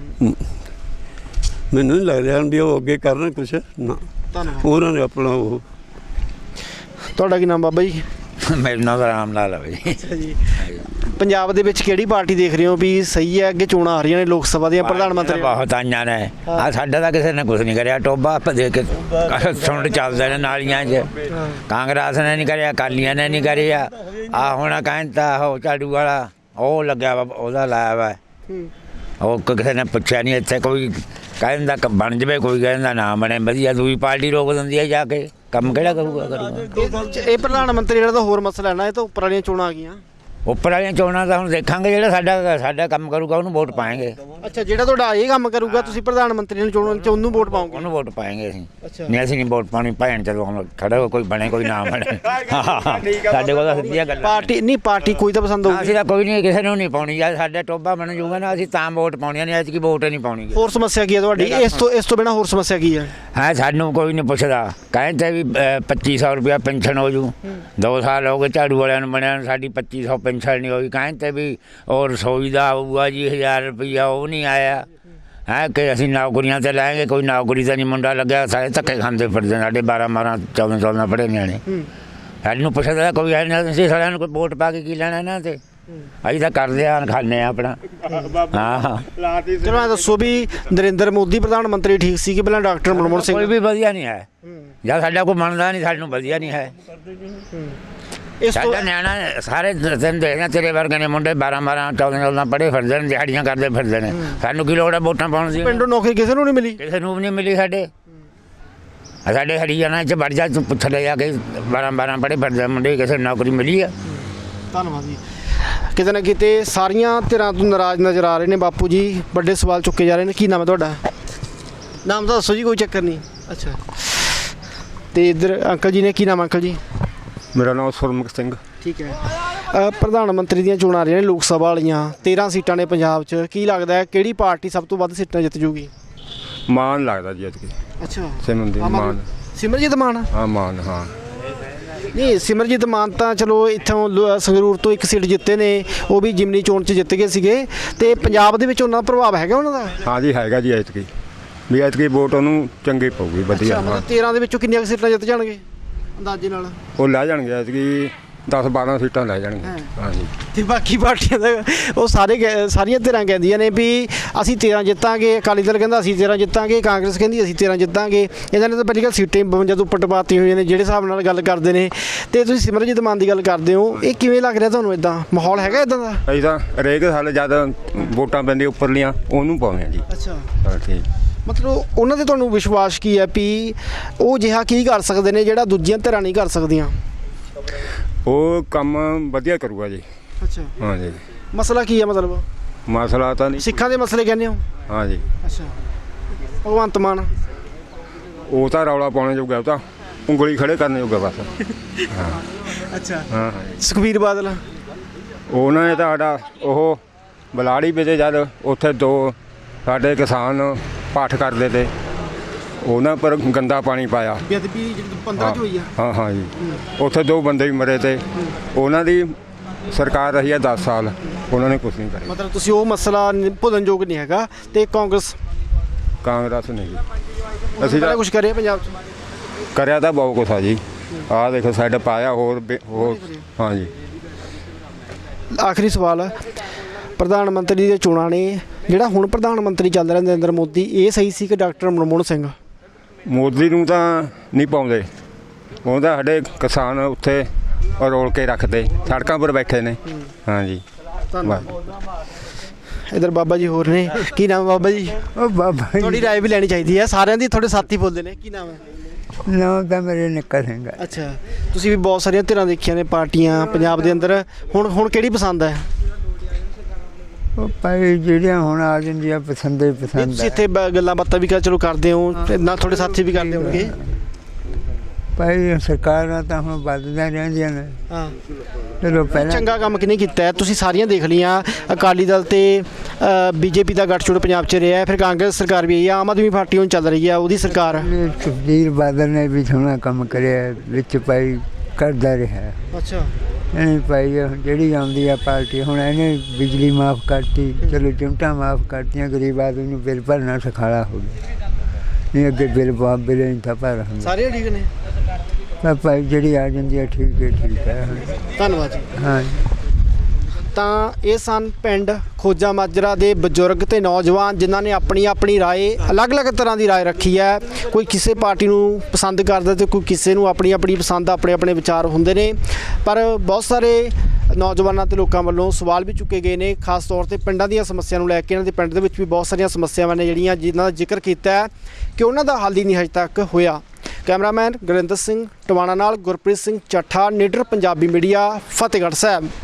[SPEAKER 3] ਮੈਨੂੰ ਨਹੀਂ ਲੱਗ ਰਿਹਾ ਵੀ ਉਹ ਅੱਗੇ ਕਰਨ ਕੁਛ ਨਾ। ਉਹਨਾਂ ਨੇ ਆਪਣਾ ਉਹ।
[SPEAKER 2] ਤੁਹਾਡਾ ਕੀ ਨਾਮ ਬਾਬਾ ਜੀ?
[SPEAKER 1] ਮੇਰਾ ਨਾਮ ਰਾਮ ਲਾਲ ਹੈ ਜੀ।
[SPEAKER 2] ਅੱਛਾ ਜੀ। ਪੰਜਾਬ ਦੇ ਵਿੱਚ ਕਿਹੜੀ ਪਾਰਟੀ ਦੇਖ ਰਹੇ ਹੋ ਵੀ ਸਹੀ ਹੈ? ਅੱਗੇ ਚੋਣਾਂ ਆ ਰਹੀਆਂ ਨੇ ਲੋਕ ਸਭਾ ਦੀਆਂ, ਪ੍ਰਧਾਨ ਮੰਤਰੀ
[SPEAKER 1] ਬਹੁਤ ਆਈਆਂ ਨੇ। ਆ ਸਾਡਾ ਤਾਂ ਕਿਸੇ ਨੇ ਕੁਝ ਨਹੀਂ ਕਰਿਆ, ਟੋਭਾ ਆਪਾਂ ਦੇ ਕੇ ਸੁੰਡ ਚੱਲਦੇ ਨੇ ਨਾਲੀਆਂ 'ਚ। ਕਾਂਗਰਸ ਨੇ ਨਹੀਂ ਕਰਿਆ, ਅਕਾਲੀਆਂ ਨੇ ਨਹੀਂ ਕਰਿਆ। ਆ ਹੁਣ ਕਹਿੰਦਾ ਉਹ ਝਾੜੂ ਵਾਲਾ ਉਹ ਲੱਗਿਆ ਵਾ, ਉਹਦਾ ਲਾਇਆ ਵਾ, ਉਹ ਕਿਸੇ ਨੇ ਪੁੱਛਿਆ ਨਹੀਂ। ਇੱਥੇ ਕੋਈ ਕਹਿੰਦਾ ਬਣ ਜਾਵੇ, ਕੋਈ ਕਹਿੰਦਾ ਨਾ ਬਣੇ। ਵਧੀਆ ਦੂਜੀ ਪਾਰਟੀ ਰੋਕ ਦਿੰਦੀ ਹੈ ਜਾ ਕੇ, ਕੰਮ ਕਿਹੜਾ ਕਰੂਗਾ?
[SPEAKER 2] ਇਹ ਪ੍ਰਧਾਨ ਮੰਤਰੀ ਜਿਹੜਾ ਤਾਂ ਹੋਰ ਮਸਲਾ ਹੈ ਨਾ, ਇਹ ਤਾਂ ਉੱਪਰ ਵਾਲੀਆਂ ਚੋਣਾਂ ਆ ਗਈਆਂ।
[SPEAKER 1] ਉੱਪਰ ਵਾਲੀਆਂ ਚੋਣਾਂ ਤਾਂ ਹੁਣ ਦੇਖਾਂਗੇ, ਜਿਹੜਾ ਸਾਡਾ ਕੰਮ ਕਰੂਗਾ ਉਹਨੂੰ ਵੋਟ ਪਾਏਂਗੇ।
[SPEAKER 2] ਅੱਛਾ, ਜਿਹੜਾ ਤੁਹਾਡਾ ਇਹ ਕੰਮ ਕਰੂਗਾ ਤੁਸੀਂ ਪ੍ਰਧਾਨ ਮੰਤਰੀ ਨੂੰ ਚੋਣਾਂ 'ਚ ਉਹਨੂੰ ਵੋਟ ਪਾਓਗੇ?
[SPEAKER 1] ਉਹਨੂੰ ਵੋਟ ਪਾਏਂਗੇ ਅਸੀਂ। ਨਹੀਂ, ਅਸੀਂ ਨਹੀਂ ਵੋਟ ਪਾਉਣੀ। ਭੈਣ ਚਲੋ ਹੁਣ ਖੜੇ ਹੋ, ਕੋਈ ਬਣੇ ਕੋਈ ਨਾ ਬਣੇ। ਸਾਡੇ ਕੋਲ ਤਾਂ ਸਿੱਧੀਆਂ ਗੱਲਾਂ।
[SPEAKER 2] ਪਾਰਟੀ ਨਹੀਂ, ਪਾਰਟੀ ਕੋਈ ਤਾਂ ਪਸੰਦ ਹੋਊਗੀ।
[SPEAKER 1] ਅਸੀਂ ਤਾਂ ਕੋਈ ਨਹੀਂ, ਕਿਸੇ ਨੂੰ ਨਹੀਂ ਪਾਉਣੀ। ਜਦ ਸਾਡਾ ਟੋਭਾ ਬਣ ਜੂਗਾ ਨਾ, ਅਸੀਂ ਤਾਂ ਵੋਟ ਪਾਉਣੀਆਂ ਨੇ। ਐਤਕੀ ਵੋਟ ਨਹੀਂ ਪਾਉਣੀ।
[SPEAKER 2] ਹੋਰ ਸਮੱਸਿਆ ਕੀ ਹੈ ਤੁਹਾਡੀ? ਇਸ ਤੋਂ ਬਿਨਾਂ ਹੋਰ ਸਮੱਸਿਆ ਕੀ ਹੈ?
[SPEAKER 1] ਹਾਂ, ਸਾਨੂੰ ਕੋਈ ਨਹੀਂ ਪੁੱਛਦਾ। ਕਹਿੰਦੇ ਵੀ 2500 ਰੁਪਇਆ ਪੈਨਸ਼ਨ ਹੋ ਜੂ। 2 ਸਾਲ ਹੋ ਗਏ ਝਾੜੂ ਵਾਲਿਆਂ ਨੂੰ ਬਣਿਆ, ਸਾਡੀ 2500 ਪੈਨਸ਼ਨ ਨਹੀਂ ਹੋਈ। ਕਹਿੰਦੇ ਵੀ ਉਹ ਰਸੋਈ ਦਾ ਆਊਗਾ ਜੀ 1000 ਰੁਪਈਆ, ਉਹ ਨਹੀਂ ਆਇਆ ਹੈ। ਕਿ ਅਸੀਂ ਨੌਕਰੀਆਂ 'ਤੇ ਲਾਏਂਗੇ, ਕੋਈ ਨੌਕਰੀ ਤਾਂ ਨਹੀਂ ਮੁੰਡਾ ਲੱਗਿਆ। ਸਾਰੇ ਧੱਕੇ ਖਾਂਦੇ ਫਿਰਦੇ, ਸਾਡੇ 12 14 ਪੜ੍ਹੇ ਨਿਆਣੇ। ਸਾਨੂੰ ਪੁੱਛਦਾ ਕੋਈ ਹੈ ਨਹੀਂ। ਅਸੀਂ ਸਾਰਿਆਂ ਨੂੰ ਕੋਈ ਵੋਟ ਪਾ ਕੇ ਕੀ ਲੈਣਾ ਇਹਨਾਂ 'ਤੇ? ਅਸੀਂ ਤਾਂ ਕਰਦੇ ਆ, ਖਾਂਦੇ ਆ ਆਪਣਾ। ਹਾਂ,
[SPEAKER 2] ਚਲੋ ਐਂ ਦੱਸੋ ਵੀ ਨਰਿੰਦਰ ਮੋਦੀ ਪ੍ਰਧਾਨ ਮੰਤਰੀ ਠੀਕ ਸੀ ਕਿ ਪਹਿਲਾਂ ਡਾਕਟਰ ਮਨਮੋਹਨ ਸਿੰਘ?
[SPEAKER 1] ਕੋਈ ਵੀ ਵਧੀਆ ਨਹੀਂ ਹੈ। ਜਦ ਸਾਡਾ ਕੋਈ ਮੰਨਦਾ ਨਹੀਂ, ਸਾਨੂੰ ਵਧੀਆ ਨਹੀਂ ਹੈ। ਸਾਡਾ ਨਿਆਣਾ ਸਾਰੇ ਦਿਨ ਦੇਖਦੇ ਤੇਰੇ ਵਰਗੇ ਨੇ ਮੁੰਡੇ 12 14 ਪੜ੍ਹੇ ਫਿਰਦੇ ਨੇ, ਦਿਹਾੜੀਆਂ ਕਰਦੇ ਫਿਰਦੇ ਨੇ। ਸਾਨੂੰ ਕੀ ਲੋੜ ਹੈ ਵੋਟਾਂ ਪਾਉਣ ਦੀ?
[SPEAKER 2] ਪਿੰਡੋਂ ਨੌਕਰੀ ਕਿਸੇ ਨੂੰ ਨਹੀਂ ਮਿਲੀ?
[SPEAKER 1] ਕਿਸੇ ਨੂੰ ਵੀ ਨਹੀਂ ਮਿਲੀ। ਸਾਡੇ ਹਰਿਆਣਾ 'ਚ ਵੜ ਜਾ, ਤੂੰ ਪੁੱਛ ਲੈ ਜਾ ਕੇ 12 ਪੜ੍ਹੇ ਫਿਰਦੇ ਮੁੰਡੇ, ਕਿਸੇ ਨੂੰ ਨੌਕਰੀ ਮਿਲੀ ਆ?
[SPEAKER 2] ਧੰਨਵਾਦ ਜੀ। ਕਿਤੇ ਨਾ ਕਿਤੇ ਸਾਰੀਆਂ ਧਿਰਾਂ ਤੋਂ ਨਾਰਾਜ਼ ਨਜ਼ਰ ਆ ਰਹੇ ਨੇ ਬਾਪੂ ਜੀ, ਵੱਡੇ ਸਵਾਲ ਚੁੱਕੇ ਜਾ ਰਹੇ ਨੇ। ਕੀ ਨਾਮ ਹੈ ਤੁਹਾਡਾ? ਨਾਮ ਤਾਂ ਦੱਸੋ ਜੀ, ਕੋਈ ਚੱਕਰ ਨਹੀਂ। ਅੱਛਾ, ਤੇ ਇੱਧਰ ਅੰਕਲ ਜੀ ਨੇ, ਕੀ ਨਾਮ ਅੰਕਲ ਜੀ?
[SPEAKER 3] ਮੇਰਾ ਨਾਮ ਸੁਰਮੁਖ ਸਿੰਘ।
[SPEAKER 2] ਠੀਕ ਹੈ। ਪ੍ਰਧਾਨ ਮੰਤਰੀ ਦੀਆਂ ਚੋਣਾਂ ਆ ਰਹੀਆਂ ਨੇ ਲੋਕ ਸਭਾ ਵਾਲੀਆਂ, 13 ਸੀਟਾਂ ਨੇ ਪੰਜਾਬ 'ਚ। ਕੀ ਲੱਗਦਾ ਹੈ ਕਿਹੜੀ ਪਾਰਟੀ ਸਭ ਤੋਂ ਵੱਧ ਸੀਟਾਂ ਜਿੱਤ ਜੂਗੀ?
[SPEAKER 3] ਮਾਨ ਲੱਗਦਾ ਜੀ ਐਤਕੀ।
[SPEAKER 2] ਅੱਛਾ,
[SPEAKER 3] ਮਾਨ।
[SPEAKER 2] ਸਿਮਰਜੀਤ ਮਾਨ?
[SPEAKER 3] ਹਾਂ ਮਾਨ, ਹਾਂ।
[SPEAKER 2] ਨਹੀਂ, ਸਿਮਰਜੀਤ ਮਾਨ ਤਾਂ ਚਲੋ ਇੱਥੋਂ ਸੰਗਰੂਰ ਤੋਂ ਇੱਕ ਸੀਟ ਜਿੱਤੇ ਨੇ, ਉਹ ਵੀ ਜਿਮਨੀ ਚੋਣ 'ਚ ਜਿੱਤ ਗਏ ਸੀਗੇ। ਤੇ ਪੰਜਾਬ ਦੇ ਵਿੱਚ ਉਹਨਾਂ ਦਾ ਪ੍ਰਭਾਵ ਹੈਗਾ ਉਹਨਾਂ ਦਾ?
[SPEAKER 3] ਹਾਂ ਜੀ, ਹੈਗਾ ਜੀ ਐਤਕੀ। ਵੀ ਐਤਕੀ ਵੋਟ ਉਹਨੂੰ ਚੰਗੀ ਪਊਗੀ, ਵਧੀਆ।
[SPEAKER 2] ਮਤਲਬ 13 ਦੇ ਵਿੱਚੋਂ ਕਿੰਨੀਆਂ ਸੀਟਾਂ ਜਿੱਤ ਜਾਣਗੇ ਅੰਦਾਜ਼ੇ ਨਾਲ?
[SPEAKER 3] ਉਹ ਲੈ ਜਾਣਗੇ ਐਤਕੀ 10-12 ਸੀਟਾਂ ਲੈ ਜਾਣਗੇ। ਹਾਂ ਜੀ।
[SPEAKER 2] ਤੇ ਬਾਕੀ ਪਾਰਟੀਆਂ ਦਾ ਉਹ ਸਾਰੀਆਂ ਧਿਰਾਂ ਕਹਿੰਦੀਆਂ ਨੇ ਵੀ ਅਸੀਂ 13 ਜਿੱਤਾਂਗੇ। ਅਕਾਲੀ ਦਲ ਕਹਿੰਦਾ ਅਸੀਂ 13 ਜਿੱਤਾਂਗੇ, ਕਾਂਗਰਸ ਕਹਿੰਦੀ ਅਸੀਂ 13 ਜਿੱਤਾਂਗੇ। ਇਹਨਾਂ ਨੇ ਤਾਂ ਪਹਿਲੀ ਗੱਲ ਸੀਟਾਂ 52 ਤੋਂ ਉੱਪਰ ਟਪਾਤੀ ਹੋਈਆਂ ਨੇ ਜਿਹੜੇ ਹਿਸਾਬ ਨਾਲ ਗੱਲ ਕਰਦੇ ਨੇ। ਤੇ ਤੁਸੀਂ ਸਿਮਰਜੀਤ ਮਾਨ ਦੀ ਗੱਲ ਕਰਦੇ ਹੋ, ਇਹ ਕਿਵੇਂ ਲੱਗ ਰਿਹਾ ਤੁਹਾਨੂੰ? ਇਦਾਂ ਮਾਹੌਲ ਹੈਗਾ ਇਦਾਂ ਦਾ?
[SPEAKER 3] ਅਸੀਂ ਤਾਂ ਹਰੇਕ ਸਾਲ ਜਦ ਵੋਟਾਂ ਪੈਂਦੀਆਂ ਉੱਪਰਲੀਆਂ ਉਹਨੂੰ ਪਾਉਂਦੇ ਹਾਂ ਜੀ।
[SPEAKER 2] ਅੱਛਾ,
[SPEAKER 3] ਹਾਂ ਠੀਕ।
[SPEAKER 2] ਮਤਲਬ ਉਹਨਾਂ ਤੇ ਤੁਹਾਨੂੰ ਵਿਸ਼ਵਾਸ ਕੀ ਹੈ ਵੀ ਉਹ ਜਿਹਾ ਕੀ ਕਰ ਸਕਦੇ ਨੇ ਜਿਹੜਾ ਦੂਜੀਆਂ ਧਿਰਾਂ ਨਹੀਂ ਕਰ ਸਕਦੀਆਂ?
[SPEAKER 3] ਉਹ ਕੰਮ ਵਧੀਆ ਕਰੂਗਾ ਜੀ।
[SPEAKER 2] ਅੱਛਾ,
[SPEAKER 3] ਹਾਂ ਜੀ।
[SPEAKER 2] ਮਸਲਾ ਕੀ ਹੈ? ਮਤਲਬ
[SPEAKER 3] ਮਸਲਾ ਤਾਂ ਨਹੀਂ।
[SPEAKER 2] ਸਿੱਖਾਂ ਦੇ ਮਸਲੇ ਕਹਿੰਦੇ ਹੋ?
[SPEAKER 3] ਹਾਂ ਜੀ।
[SPEAKER 2] ਅੱਛਾ, ਭਗਵੰਤ ਮਾਨ
[SPEAKER 3] ਉਹ ਤਾਂ ਰੌਲਾ ਪਾਉਣੇ ਜੋਗਾ, ਉਹ ਤਾਂ ਉਂਗਲੀ ਖੜੇ ਕਰਨ ਜੋਗਾ ਬਸ। ਹਾਂ।
[SPEAKER 2] ਅੱਛਾ,
[SPEAKER 3] ਹਾਂ।
[SPEAKER 2] ਸੁਖਬੀਰ ਬਾਦਲ?
[SPEAKER 3] ਉਹਨਾਂ ਨੇ ਤਾਂ ਸਾਡਾ ਉਹ ਬਲਾੜੀ ਵਿੱਚ ਜਦ ਉੱਥੇ 2 ਸਾਡੇ ਕਿਸਾਨ ਪਾਠ ਕਰਦੇ ਤੇ ਉਹਨਾਂ ਪਰ ਗੰਦਾ ਪਾਣੀ ਪਾਇਆ।
[SPEAKER 2] ਬੇਅਦਬੀ 15 ਚ ਹੋਈ ਆ?
[SPEAKER 3] ਹਾਂ ਹਾਂ ਜੀ। ਉੱਥੇ 2 ਬੰਦੇ ਵੀ ਮਰੇ ਤੇ ਉਹਨਾਂ ਦੀ ਸਰਕਾਰ ਰਹੀ ਹੈ 10 ਸਾਲ, ਉਹਨਾਂ ਨੇ ਕੁਝ ਨਹੀਂ ਕਰਿਆ।
[SPEAKER 2] ਮਤਲਬ ਤੁਸੀਂ ਉਹ ਮਸਲਾ ਭੁੱਲਣਯੋਗ ਨਹੀਂ ਹੈਗਾ। ਤੇ ਕਾਂਗਰਸ
[SPEAKER 3] ਨਹੀਂ ਜੀ। ਅਸੀਂ
[SPEAKER 2] ਤਾਂ ਕੁਝ ਕਰਿਆ ਪੰਜਾਬ 'ਚ?
[SPEAKER 3] ਕਰਿਆ ਤਾਂ ਬਹੁਤ ਕੁਛ ਆ ਜੀ। ਆਹ ਦੇਖੋ ਸਾਈਡ ਪਾਇਆ ਹੋਰ। ਹਾਂ ਜੀ।
[SPEAKER 2] ਆਖਰੀ ਸਵਾਲ, ਪ੍ਰਧਾਨ ਮੰਤਰੀ ਦੀਆਂ ਚੋਣਾਂ ਨੇ, ਜਿਹੜਾ ਹੁਣ ਪ੍ਰਧਾਨ ਮੰਤਰੀ ਚੱਲ ਰਿਹਾ ਨਰਿੰਦਰ ਮੋਦੀ, ਇਹ ਸਹੀ ਸੀ ਕਿ ਡਾਕਟਰ ਮਨਮੋਹਨ ਸਿੰਘ?
[SPEAKER 3] ਮੋਦੀ ਨੂੰ ਤਾਂ ਨਹੀਂ ਪਾਉਂਦੇ, ਉਹਦਾ ਸਾਡੇ ਕਿਸਾਨ ਉੱਥੇ ਰੋਲ ਕੇ ਰੱਖਦੇ, ਸੜਕਾਂ ਪਰ ਬੈਠੇ ਨੇ। ਹਾਂ ਜੀ।
[SPEAKER 2] ਇਧਰ ਬਾਬਾ ਜੀ ਹੋਰ ਨੇ। ਕੀ ਨਾਮ ਹੈ ਬਾਬਾ ਜੀ?
[SPEAKER 10] ਉਹ ਬਾਬਾ
[SPEAKER 2] ਤੁਹਾਡੀ ਰਾਏ ਵੀ ਲੈਣੀ ਚਾਹੀਦੀ ਹੈ, ਸਾਰਿਆਂ ਦੀ। ਤੁਹਾਡੇ ਸਾਥੀ ਬੋਲਦੇ ਨੇ। ਕੀ ਨਾਮ ਹੈ?
[SPEAKER 10] ਨਾਮ ਤਾਂ ਮੇਰੇ ਨਿੱਕਾ ਸਿੰਘ ਹੈ।
[SPEAKER 2] ਅੱਛਾ, ਤੁਸੀਂ ਵੀ ਬਹੁਤ ਸਾਰੀਆਂ ਧਿਰਾਂ ਦੇਖੀਆਂ ਨੇ, ਪਾਰਟੀਆਂ ਪੰਜਾਬ ਦੇ ਅੰਦਰ। ਹੁਣ ਕਿਹੜੀ ਪਸੰਦ ਹੈ?
[SPEAKER 10] ਉਹ ਭਾਈ ਜਿਹੜੀਆਂ ਹੁਣ ਆ ਜਾਂਦੀਆਂ ਪਸੰਦ ਹੀ ਪਸੰਦ
[SPEAKER 2] ਤੁਸੀਂ ਇੱਥੇ ਗੱਲਾਂ ਬਾਤਾਂ ਵੀ ਚਲੋ ਕਰਦੇ ਹੋ, ਨਾਲ ਤੁਹਾਡੇ ਸਾਥੀ ਵੀ ਕਰਦੇ ਹੋਣਗੇ।
[SPEAKER 10] ਭਾਈ ਸਰਕਾਰਾਂ ਤਾਂ ਹੁਣ ਬਦਲਦੀਆਂ ਰਹਿੰਦੀਆਂ ਨੇ।
[SPEAKER 2] ਹਾਂ,
[SPEAKER 10] ਚਲੋ ਪਹਿਲਾਂ
[SPEAKER 2] ਚੰਗਾ ਕੰਮ ਕਿਹਨੇ ਕੀਤਾ ਹੈ? ਤੁਸੀਂ ਸਾਰੀਆਂ ਦੇਖ ਲਈਆਂ। ਅਕਾਲੀ ਦਲ ਤੇ ਬੀਜੇਪੀ ਦਾ ਗੱਠਜੋੜ ਪੰਜਾਬ 'ਚ ਰਿਹਾ, ਫਿਰ ਕਾਂਗਰਸ ਸਰਕਾਰ ਵੀ ਆਈ ਆ, ਆਮ ਆਦਮੀ ਪਾਰਟੀ ਹੁਣ ਚੱਲ ਰਹੀ ਆ, ਉਹਦੀ ਸਰਕਾਰ।
[SPEAKER 10] ਸੁਖਬੀਰ ਬਾਦਲ ਨੇ ਵੀ ਸੋਹਣਾ ਕੰਮ ਕਰਿਆ ਵਿੱਚ, ਭਾਈ ਕਰਦਾ ਰਿਹਾ।
[SPEAKER 2] ਅੱਛਾ,
[SPEAKER 10] ਨਹੀਂ ਭਾਈ ਜਿਹੜੀ ਆਉਂਦੀ ਆ ਪਾਰਟੀ, ਹੁਣ ਇਹਨੇ ਬਿਜਲੀ ਮਾਫ ਕਰਤੀ, ਚਲੋ ਚਿਮਟਾਂ ਮਾਫ ਕਰਤੀਆਂ, ਗਰੀਬ ਆਦਮੀ ਨੂੰ ਬਿੱਲ ਭਰਨਾ ਸਖਾਲਾ ਹੋ ਗਿਆ। ਨਹੀਂ ਅੱਗੇ ਬਿੱਲ ਨਹੀਂ ਤਾਂ ਭਰ ਹੁੰਦਾ।
[SPEAKER 2] ਸਾਰੇ ਠੀਕ ਨੇ?
[SPEAKER 10] ਭਾਈ ਜਿਹੜੀ ਆ ਜਾਂਦੀ ਆ ਠੀਕ ਹੈ।
[SPEAKER 2] ਧੰਨਵਾਦ ਜੀ।
[SPEAKER 10] ਹਾਂ।
[SPEAKER 2] ਤਾਂ ਇਹ ਸਨ ਪਿੰਡ ਖੋਜਾ ਮਾਜਰਾ ਦੇ ਬਜ਼ੁਰਗ ਤੇ ਨੌਜਵਾਨ, ਜਿਨ੍ਹਾਂ ਨੇ ਆਪਣੀ ਰਾਏ, ਅਲੱਗ-ਅਲੱਗ ਤਰ੍ਹਾਂ ਦੀ ਰਾਏ ਰੱਖੀ ਹੈ। ਕੋਈ ਕਿਸੇ ਪਾਰਟੀ ਨੂੰ ਪਸੰਦ ਕਰਦਾ ਤੇ ਕੋਈ ਕਿਸੇ ਨੂੰ ਆਪਣੀ ਪਸੰਦ, ਆਪਣੇ ਵਿਚਾਰ ਹੁੰਦੇ ਨੇ। ਪਰ ਬਹੁਤ ਸਾਰੇ ਨੌਜਵਾਨਾਂ ਤੇ ਲੋਕਾਂ ਵੱਲੋਂ ਸਵਾਲ ਵੀ ਚੁੱਕੇ ਗਏ ਨੇ, ਖਾਸ ਤੌਰ ਤੇ ਪਿੰਡਾਂ ਦੀਆਂ ਸਮੱਸਿਆ ਨੂੰ ਲੈ ਕੇ। ਇਹਨਾਂ ਦੇ ਪਿੰਡ ਦੇ ਵਿੱਚ ਵੀ ਬਹੁਤ ਸਾਰੀਆਂ ਸਮੱਸਿਆਵਾਂ ਨੇ ਜਿਨ੍ਹਾਂ ਦਾ ਜ਼ਿਕਰ ਕੀਤਾ ਹੈ ਕਿ ਉਹਨਾਂ ਦਾ ਹੱਲ ਹੀ ਨਹੀਂ ਹਜੇ ਤੱਕ ਹੋਇਆ। ਕੈਮਰਾਮੈਨ ਗੁਰਿੰਦਰ ਸਿੰਘ ਟਵਾਣਾ ਨਾਲ ਗੁਰਪ੍ਰੀਤ ਸਿੰਘ ਚੱਠਾ, ਨੀਡਰ ਪੰਜਾਬੀ ਮੀਡੀਆ, ਫਤਿਹਗੜ੍ਹ ਸਾਹਿਬ।